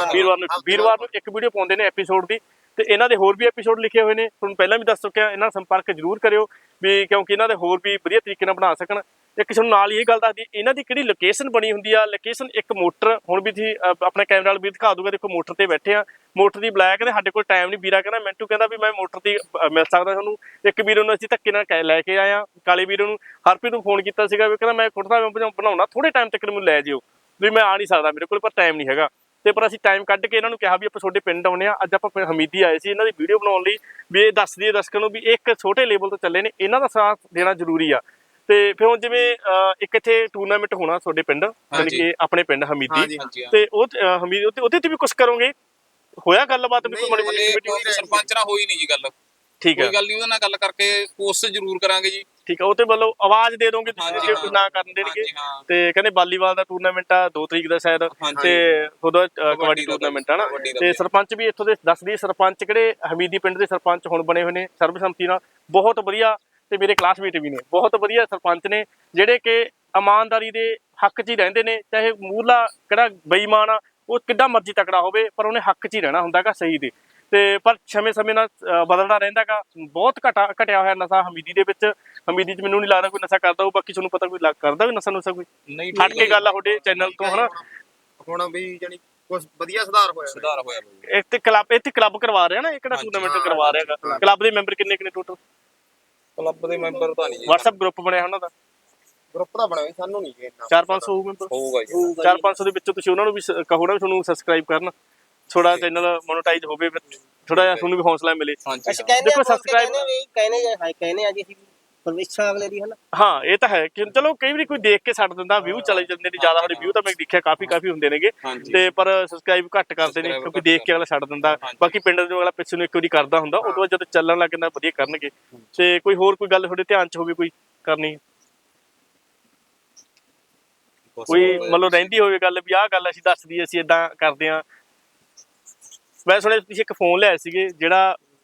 S1: ਨੂੰ ਇੱਕ ਵੀਡੀਓ ਪਾਉਂਦੇ ਨੇ ਐਪੀਸੋਡ ਦੀ। ਤੇ ਇਹਨਾਂ ਦੇ ਹੋਰ ਵੀ ਐਪੀਸੋਡ ਲਿਖੇ ਹੋਏ ਨੇ, ਤੁਹਾਨੂੰ ਪਹਿਲਾਂ ਵੀ ਦੱਸ ਚੁੱਕਿਆ, ਇਹਨਾਂ ਨਾਲ ਸੰਪਰਕ ਜ਼ਰੂਰ ਕਰਿਓ ਵੀ, ਕਿਉਂਕਿ ਇਹਨਾਂ ਦੇ ਹੋਰ ਵੀ ਵਧੀਆ ਤਰੀਕੇ ਨਾਲ ਬਣਾ ਸਕਣ। ਇੱਕ ਤੁਹਾਨੂੰ ਨਾਲ ਇਹ ਗੱਲ ਦੱਸਦੀ, ਇਹਨਾਂ ਦੀ ਕਿਹੜੀ ਲੋਕੇਸ਼ਨ ਬਣੀ ਹੁੰਦੀ ਆ, ਲੋਕੇਸ਼ਨ ਇੱਕ ਮੋਟਰ, ਹੁਣ ਵੀ ਤੁਸੀਂ ਆਪਣੇ ਕੈਮਰੇ ਨਾਲ ਵੀ ਦਿਖਾ ਦੂਗਾ, ਦੇਖੋ ਮੋਟਰ ਤੇ ਬੈਠੇ ਆ, ਮੋਟਰ ਦੀ ਬਲੈਕ ਕਹਿੰਦੇ ਸਾਡੇ ਕੋਲ ਟਾਈਮ ਨਹੀਂ, ਵੀਰਾ ਕਹਿੰਦਾ ਮਿੰਟੂ ਕਹਿੰਦਾ ਵੀ ਮੈਂ ਮੋਟਰ ਦੀ ਮਿਲ ਸਕਦਾ ਤੁਹਾਨੂੰ। ਇੱਕ ਵੀਰ ਨੂੰ ਅਸੀਂ ਧੱਕੇ ਨਾਲ ਲੈ ਕੇ ਆਏ ਆ, ਕਾਲੇ ਵੀਰ ਨੂੰ। ਹਰਪ੍ਰੀਤ ਨੂੰ ਫੋਨ ਕੀਤਾ ਸੀਗਾ ਵੀ ਕਹਿੰਦਾ ਮੈਂ ਕੁੜਤਾ ਬਣਾਉਣਾ, ਥੋੜੇ ਟਾਈਮ ਤੱਕ ਮੈਨੂੰ ਲੈ ਜਿਓ ਵੀ, ਮੈਂ ਆ ਨਹੀਂ ਸਕਦਾ ਮੇਰੇ ਕੋਲ, ਪਰ ਟਾਈਮ ਨਹੀਂ ਹੈਗਾ। ਤੇ ਪਰ ਅਸੀਂ ਟਾਈਮ ਕੱਢ ਕੇ ਇਹਨਾਂ ਨੂੰ ਕਿਹਾ ਵੀ ਆਪਾਂ ਤੁਹਾਡੇ ਪਿੰਡ ਆਉਣੇ ਆ। ਅੱਜ ਆਪਾਂ ਹਮੀਦੀ ਆਏ ਸੀ ਇਹਨਾਂ ਦੀ ਵੀਡੀਓ ਬਣਾਉਣ ਲਈ, ਵੀ ਇਹ ਦੱਸ ਦਈਏ ਦਰਸ਼ਕਾਂ ਨੂੰ ਵੀ ਇੱਕ ਛੋਟੇ ਲੈਵਲ ਤੋਂ ਚੱਲੇ ਨੇ, ਇਹਨਾਂ ਦਾ ਸਾਥ ਦੇਣਾ ਜ਼ਰੂਰੀ ਆ। ਤੇ ਫਿਰ ਹੁਣ ਜਿਵੇਂ ਇੱਕ ਇੱਥੇ ਟੂਰਨਾਮੈਂਟ ਹੋਣਾ ਤੁਹਾਡੇ ਪਿੰਡ, ਯਾਨੀ ਕਿ ਆਪਣੇ ਪਿੰਡ ਹਮੀਦੀ, ਤੇ ਉਹ ਹਮੀਦੀ ਉਹਦੇ ਤੇ ਵੀ ਕੁਝ ਕਰੋਗੇ? ਹੋਇਆ ਗੱਲਬਾਤ ਵੀ ਕੋਈ
S2: ਮਾੜੀ? ਸਰਪੰਚ ਨਾਲ ਹੋਈ ਨਹੀਂ ਜੀ ਗੱਲ।
S1: ਠੀਕ ਹੈ,
S2: ਕੋਈ ਗੱਲ ਨਹੀਂ, ਉਹਦੇ ਨਾਲ ਗੱਲ ਕਰਕੇ ਕੋਸ਼ਿਸ਼ ਜ਼ਰੂਰ ਕਰਾਂਗੇ ਜੀ।
S1: ਠੀਕ ਆ, ਉਹ ਤੇ ਵੱਲੋਂ ਆਵਾਜ਼ ਦੇ ਦੋਗੇ ਤੁਸੀਂ ਜੇ ਕੋਈ ਨਾ ਕਰਨ ਦੇਣਗੇ। ਤੇ ਕਹਿੰਦੇ ਵਾਲੀਬਾਲ ਦਾ ਟੂਰਨਾਮੈਂਟ ਆ 2 ਤਰੀਕ ਦਾ ਸ਼ਾਇਦ, ਤੇ ਉਹਦਾ ਕਬੱਡੀ ਟੂਰਨਾਮੈਂਟ ਆ ਨਾ। ਤੇ ਸਰਪੰਚ ਵੀ ਇੱਥੋਂ ਦੇ ਦੱਸਦੀ, ਸਰਪੰਚ ਕਿਹੜੇ ਹਮੀਦੀ ਪਿੰਡ ਦੇ ਸਰਪੰਚ ਹੁਣ ਬਣੇ ਹੋਏ ਨੇ ਸਰਬਸੰਮਤੀ ਨਾਲ, ਬਹੁਤ ਵਧੀਆ, ਤੇ ਮੇਰੇ ਕਲਾਸਮੇਟ ਵੀ ਨੇ, ਬਹੁਤ ਵਧੀਆ ਸਰਪੰਚ ਨੇ, ਜਿਹੜੇ ਕਿ ਇਮਾਨਦਾਰੀ ਦੇ ਹੱਕ 'ਚ ਹੀ ਰਹਿੰਦੇ ਨੇ। ਚਾਹੇ ਮੂਹਰਲਾ ਕਿਹੜਾ ਬੇਈਮਾਨ ਆ, ਉਹ ਕਿੱਡਾ ਮਰਜ਼ੀ ਤਕੜਾ ਹੋਵੇ, ਪਰ ਉਹਨੇ ਹੱਕ 'ਚ ਹੀ ਰਹਿਣਾ ਹੁੰਦਾ ਗਾ, ਸਹੀ ਦੇ। ਤੇ ਪਰ ਸਮੇਂ ਨਾਲ ਬਦਲਦਾ ਰਹਿੰਦਾ ਗਾ। ਬਹੁਤ ਘਟਿਆ ਹੋਇਆ ਨਸ਼ਾ ਹਮੀਦੀ ਦੇ ਵਿੱਚ। ਹਮੀਦੀ 'ਚ ਮੈਨੂੰ ਨਹੀਂ ਲੱਗਦਾ ਕੋਈ ਨਸ਼ਾ ਕਰਦਾ ਹੋਊ, ਬਾਕੀ ਤੁਹਾਨੂੰ ਪਤਾ ਕੋਈ ਕਰਦਾ ਵੀ ਨਸ਼ਾ ਕੋਈ?
S2: ਨਹੀਂ,
S1: ਹਟ ਕੇ ਗੱਲ ਆ ਤੁਹਾਡੇ ਚੈਨਲ ਤੋਂ ਹਨਾ।
S4: ਹੁਣ ਵੀ ਜਾਨੀ ਕੁਝ ਵਧੀਆ ਸੁਧਾਰ ਹੋਇਆ।
S1: ਇੱਥੇ ਕਲੱਬ ਕਰਵਾ ਰਿਹਾ ਨਾ, ਇਹ ਕਿਹੜਾ ਟੂਰਨਾਮੈਂਟ ਕਰਵਾ ਰਿਹਾ ਹੈਗਾ? ਕਲੱਬ ਦੇ ਮੈਂਬਰ ਕਿੰਨੇ ਟੋਟਲ?
S2: ਕਲੱਬ ਦੇ ਮੈਂਬਰ ਤਾਂ ਨਹੀਂ ਜੀ।
S1: WhatsApp ਗਰੁੱਪ ਬਣਿਆ ਉਹਨਾਂ ਦਾ?
S4: ਗਰੁੱਪ ਦਾ ਬਣਾਇਆ ਸਾਨੂੰ ਨਹੀਂ ਇੰਨਾ।
S1: 400-500 ਹੋਊ ਮੈਂਬਰ?
S2: ਹੋਊਗਾ ਜੀ।
S1: 400-500 ਦੇ ਵਿੱਚੋਂ ਤੁਸੀਂ ਉਹਨਾਂ ਨੂੰ ਵੀ ਕਹੋ ਨਾ ਵੀ ਤੁਹਾਨੂੰ ਸਬਸਕ੍ਰਾਈਬ ਕਰਨ, ਥੋੜਾ ਚੈਨਲ ਮੋਨੇਟਾਈਜ਼ ਹੋਵੇ, ਥੋੜਾ ਜਿਹਾ ਤੁਹਾਨੂੰ ਵੀ ਹੌਸਲਾ ਮਿਲੇ।
S3: ਅਸੀਂ ਕਹਿੰਦੇ ਆ ਸਬਸਕ੍ਰਾਈਬ ਕਹਿੰਦੇ ਆ ਜੀ ਅਸੀਂ ਪਰਮੇਸ਼ਰ ਅਗਲੇ ਦੀ ਹਨਾ।
S1: ਹਾਂ ਇਹ ਤਾਂ ਹੈ ਕਿ ਚਲੋ ਕਈ ਵਾਰੀ ਕੋਈ ਦੇਖ ਕੇ ਛੱਡ ਦਿੰਦਾ, ਵਿਊ ਚਲੇ ਜਾਂਦੇ ਨੇ ਜ਼ਿਆਦਾ, ਸਾਡੇ ਵਿਊ ਤਾਂ ਮੈਂ ਦੇਖਿਆ ਕਾਫੀ ਹੁੰਦੇ ਨੇਗੇ, ਤੇ ਪਰ ਸਬਸਕ੍ਰਾਈਬ ਘੱਟ ਕਰਦੇ ਨੇ ਕਿਉਂਕਿ ਦੇਖ ਕੇ ਅਗਲਾ ਛੱਡ ਦਿੰਦਾ। ਬਾਕੀ ਪਿੰਡ ਦੇ ਅਗਲਾ ਪਿੱਛੇ ਨੂੰ ਇੱਕ ਵਾਰੀ ਕਰਦਾ ਹੁੰਦਾ, ਉਦੋਂ ਬਾਅਦ ਜਦੋਂ ਚੱਲਣ ਲੱਗ ਜਾਂਦਾ ਵਧੀਆ ਕਰਨਗੇ। ਤੇ ਕੋਈ ਹੋਰ ਕੋਈ ਗੱਲ ਤੁਹਾਡੇ ਧਿਆਨ 'ਚ ਹੋਵੇ ਕੋਈ ਕਰਨੀ, ਕੋਈ ਮਤਲਬ ਰਹਿੰਦੀ ਹੋਵੇ ਗੱਲ ਵੀ ਆਹ ਗੱਲ ਅਸੀਂ ਦੱਸ ਦਈਏ, ਅਸੀਂ ਏਦਾਂ ਕਰਦੇ ਹਾਂ? ਮੈਂ ਸੁਣਿਆ ਤੁਸੀਂ ਇੱਕ ਫੋਨ ਲਿਆਏ ਸੀਗੇ ਜਿਹੜਾ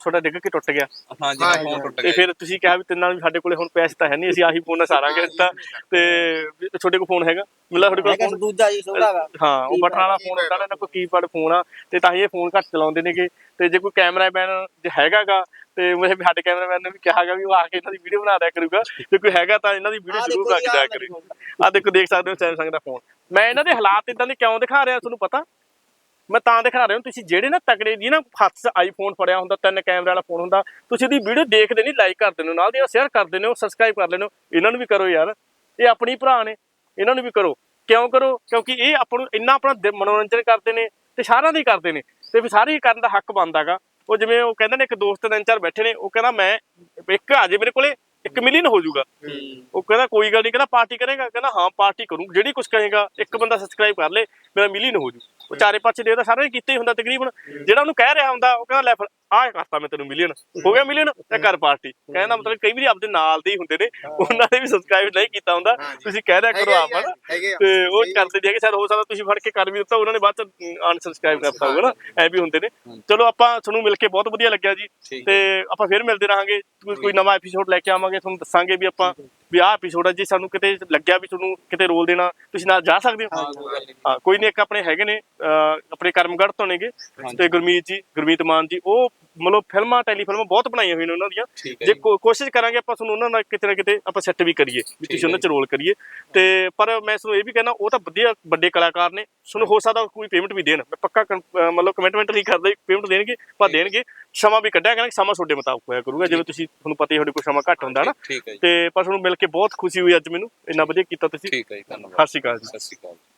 S1: ਤੁਹਾਡਾ ਡਿੱਗ ਕੇ ਟੁੱਟ ਗਿਆ
S2: ਹਾਂਜੀ
S4: ਹਾਂ,
S2: ਫੋਨ ਟੁੱਟ
S1: ਤੇ
S2: ਗਿਆ
S1: ਫਿਰ ਤੁਸੀਂ ਕਿਹਾ ਵੀ ਤਿੰਨਾਂ ਨੂੰ ਸਾਡੇ ਕੋਲੇ ਹੁਣ ਪੈਸੇ ਤਾਂ ਹੈ ਨਹੀਂ, ਅਸੀਂ ਆਹੀ ਫੋਨ ਨਾਲ ਸਾਰਾਂਗੇ ਤਾਂ, ਤੇ ਵੀ ਤੁਹਾਡੇ ਕੋਲ ਫੋਨ ਹੈਗਾ ਮਿਲਾ ਤੁਹਾਡੇ ਕੋਲ
S3: ਹੈਗਾ
S1: phone?
S3: ਦੂਜਾ ਜੀ ਛੋਟਾ ਵਾ
S1: ਹਾਂ ਉਹ ਬਟਨ ਵਾਲਾ ਫੋਨ ਹੁੰਦਾ ਨਾ, ਇਹਨਾਂ ਕੋਲ ਕੀਪੈਡ ਫੋਨ ਆ, ਤੇ ਤਾਂ ਹੀ ਇਹ ਫੋਨ ਘੱਟ ਚਲਾਉਂਦੇ ਨੇਗੇ। ਤੇ ਜੇ ਕੋਈ ਕੈਮਰਾਮੈਨ ਜੇ ਹੈਗਾਗਾ ਤੇ ਮੈਂ ਸਾਡੇ ਕੈਮਰਾਮੈਨ ਨੇ ਵੀ ਕਿਹਾਗਾ ਵੀ ਉਹ ਆ ਕੇ ਇਹਨਾਂ ਦੀ ਵੀਡੀਓ ਬਣਾ ਦਿਆ ਕਰੂਗਾ, ਜੇ ਕੋਈ ਹੈਗਾ ਤਾਂ ਇਹਨਾਂ ਦੀ ਵੀਡੀਓ ਜ਼ਰੂਰ ਬਣਾ ਕੇ ਦਿਆ ਕਰੇ। ਆ ਦੇਖੋ, ਦੇਖ ਸਕਦੇ ਹੋ ਸੈਮਸੰਗ ਦਾ ਫੋਨ। ਮੈਂ ਇਹਨਾਂ ਦੇ ਹਾਲਾਤ ਇਦਾਂ ਦੇ ਕਿਉਂ ਦਿਖਾ ਰਿਹਾ ਤੁਹਾਨੂੰ ਪਤਾ, ਮੈਂ ਤਾਂ ਦਿਖਾ ਰਿਹਾ, ਤੁਸੀਂ ਜਿਹੜੇ ਨਾ ਤਕੜੇ ਦੀ ਨਾ ਹੱਥ 'ਚ ਆਈਫੋਨ ਫੜਿਆ ਹੁੰਦਾ, 3 ਕੈਮਰੇ ਵਾਲਾ ਫੋਨ ਹੁੰਦਾ, ਤੁਸੀਂ ਇਹਦੀ ਵੀਡੀਓ ਦੇਖਦੇ ਨਹੀਂ, ਲਾਈਕ ਕਰ ਦਿੰਦੇ ਹੋ, ਨਾਲ ਦੀ ਸ਼ੇਅਰ ਕਰ ਦਿੰਦੇ ਹੋ, ਸਬਸਕ੍ਰਾਈਬ ਕਰ ਲੈਂਦੇ ਹੋ। ਇਹਨਾਂ ਨੂੰ ਵੀ ਕਰੋ ਯਾਰ, ਇਹ ਆਪਣੀ ਭਰਾ ਨੇ, ਇਹਨਾਂ ਨੂੰ ਵੀ ਕਰੋ। ਕਿਉਂ ਕਰੋ? ਕਿਉਂਕਿ ਇਹ ਆਪਾਂ ਨੂੰ ਇੰਨਾ ਆਪਣਾ ਮਨੋਰੰਜਨ ਕਰਦੇ ਨੇ ਤੇ ਸਾਰਿਆਂ ਦਾ ਹੀ ਕਰਦੇ ਨੇ, ਤੇ ਫਿਰ ਸਾਰੇ ਹੀ ਕਰਨ ਦਾ ਹੱਕ ਬਣਦਾ ਗਾ। ਉਹ ਜਿਵੇਂ ਉਹ ਕਹਿੰਦੇ ਨੇ, ਇੱਕ ਦੋਸਤ 3-4 ਬੈਠੇ ਨੇ, ਉਹ ਕਹਿੰਦਾ ਮੈਂ ਇੱਕ ਆ ਜੇ ਮੇਰੇ ਕੋਲੇ 1 ਮਿਲੀਅਨ ਹੋ ਜਾਊਗਾ। ਉਹ ਕਹਿੰਦਾ ਕੋਈ ਗੱਲ ਨਹੀਂ, ਕਹਿੰਦਾ ਪਾਰਟੀ ਕਰੇਗਾ? ਕਹਿੰਦਾ ਹਾਂ ਪਾਰਟੀ ਕਰੂੰ, ਜਿਹੜੀ ਕੁਝ ਕਹੇਗਾ, ਇੱਕ ਬੰਦਾ ਸਬਸਕ੍ਰਾਈਬ ਕਰ ਲੇ ਮੇਰਾ ਮਿਲੀਅਨ ਹੋ ਜੂ। ਉਹ ਚਾਰੇ ਪਾਸੇ ਦੇਖਦਾ, ਸਾਰਿਆਂ ਨੇ ਕੀਤਾ ਹੀ ਹੁੰਦਾ ਤਕਰੀਬਨ। ਜਿਹੜਾ ਉਹਨੂੰ ਕਹਿ ਰਿਹਾ ਹੁੰਦਾ ਉਹ ਕਹਿੰਦਾ ਲੈ ਫਿਰ ਆਹ ਕਰਤਾ ਮੈਂ ਤੈਨੂੰ ਮਿਲੀਅਨ, ਹੋ ਗਿਆ ਮਿਲੀਅਨ ਤੇ ਕਰ ਪਾਰਟੀ। ਕਹਿੰਦਾ ਮਤਲਬ ਕਈ ਵਾਰੀ ਆਪਦੇ ਨਾਲ ਦੇ ਹੀ ਹੁੰਦੇ ਨੇ, ਉਹਨਾਂ ਨੇ ਵੀ ਸਬਸਕ੍ਰਾਈਬ ਨਹੀਂ ਕੀਤਾ ਹੁੰਦਾ, ਤੁਸੀਂ ਕਹਿ ਦਿਆ ਕਰੋ ਆਪ ਹਨਾ, ਤੇ ਉਹ ਕਰਦੇ ਨਹੀਂ ਹੈਗੇ। ਸਰ ਹੋ ਸਕਦਾ ਤੁਸੀਂ ਫੜ ਕੇ ਕਰ ਵੀ ਦਿੱਤਾ, ਉਹਨਾਂ ਨੇ ਬਾਅਦ ਚ ਅਨਸਬਸਕ੍ਰਾਈਬ ਕਰਤਾ ਹੋਊਗਾ ਨਾ, ਐ ਵੀ ਹੁੰਦੇ ਨੇ। ਚਲੋ ਆਪਾਂ ਤੁਹਾਨੂੰ ਮਿਲ ਕੇ ਬਹੁਤ ਵਧੀਆ ਲੱਗਿਆ ਜੀ, ਤੇ ਆਪਾਂ ਫਿਰ ਮਿਲਦੇ ਰਹਾਂਗੇ, ਕੋਈ ਨਵਾਂ ਐਪੀਸੋਡ ਲੈ ਕੇ ਆਵਾਂਗੇ, ਤੁਹਾਨੂੰ ਦੱਸਾਂਗੇ ਵੀ ਆਪਾਂ ਵੀ ਆਹ ਐਪੀਸੋਡ ਆ। ਜੇ ਸਾਨੂੰ ਕਿਤੇ ਲੱਗਿਆ ਵੀ ਤੁਹਾਨੂੰ ਕਿਤੇ ਰੋਲ ਦੇਣਾ, ਤੁਸੀਂ ਨਾਲ ਜਾ ਸਕਦੇ ਹੋ। ਹਾਂ ਕੋਈ ਨਹੀਂ, ਇੱਕ ਆਪਣੇ ਹੈਗੇ ਨੇ ਆਪਣੇ ਕਰਮਗੜ੍ਹ ਤੋਂ ਨੇਗੇ, ਤੇ ਗੁਰਮੀਤ ਮਾਨ ਜੀ, ਉਹ ਮਤਲਬ ਫਿਲਮਾਂ ਟੈਲੀਫਿਲਮਾਂ ਬਹੁਤ ਬਣਾਈਆਂ ਹੋਈਆਂ ਨੇ ਉਹਨਾਂ ਦੀਆਂ। ਜੇ ਕੋਸ਼ਿਸ਼ ਕਰਾਂਗੇ ਆਪਾਂ ਤੁਹਾਨੂੰ ਉਹਨਾਂ ਨਾਲ ਕਿਤੇ ਨਾ ਕਿਤੇ ਆਪਾਂ ਸੈੱਟ ਵੀ ਕਰੀਏ, ਵੀ ਤੁਸੀਂ ਉਹਨਾਂ 'ਚ ਰੋਲ ਕਰੀਏ। ਤੇ ਪਰ ਮੈਂ ਤੁਹਾਨੂੰ ਇਹ ਵੀ ਕਹਿਣਾ, ਉਹ ਤਾਂ ਵਧੀਆ ਵੱਡੇ ਕਲਾਕਾਰ ਨੇ, ਤੁਹਾਨੂੰ ਹੋ ਸਕਦਾ ਕੋਈ ਪੇਮੈਂਟ ਵੀ ਦੇਣ, ਮੈਂ ਪੱਕਾ ਮਤਲਬ ਕਮਿਟਮੈਂਟ ਨਹੀਂ ਕਰਦਾ ਪੇਮੈਂਟ ਦੇਣਗੇ, ਪਰ ਦੇਣਗੇ। ਸਮਾਂ ਵੀ ਕੱਢਿਆ ਕਰਾਂਗੇ, ਸਮਾਂ ਤੁਹਾਡੇ ਮੁਤਾਬਕ ਹੋਇਆ ਕਰੂਗਾ, ਜਿਵੇਂ ਤੁਸੀਂ ਤੁਹਾਨੂੰ ਪਤਾ ਹੀ ਤੁਹਾਡੇ ਕੋਲ ਸਮਾਂ ਘੱਟ ਹੁੰਦਾ ਨਾ। ਤੇ ਪਰ ਤੁਹਾਨੂੰ ਮਿਲ ਕੇ ਬਹੁਤ ਖੁਸ਼ੀ ਹੋਈ ਅੱਜ ਮੈਨੂੰ, ਇੰਨਾ ਵਧੀਆ ਕੀਤਾ ਤੁਸੀਂ।
S2: ਠੀਕ ਹੈ ਜੀ, ਧੰਨਵਾਦ।
S1: ਸਤਿ ਸ਼੍ਰੀ ਅਕਾਲ ਜੀ।
S2: ਸਤਿ ਸ਼੍ਰੀ ਅਕਾਲ।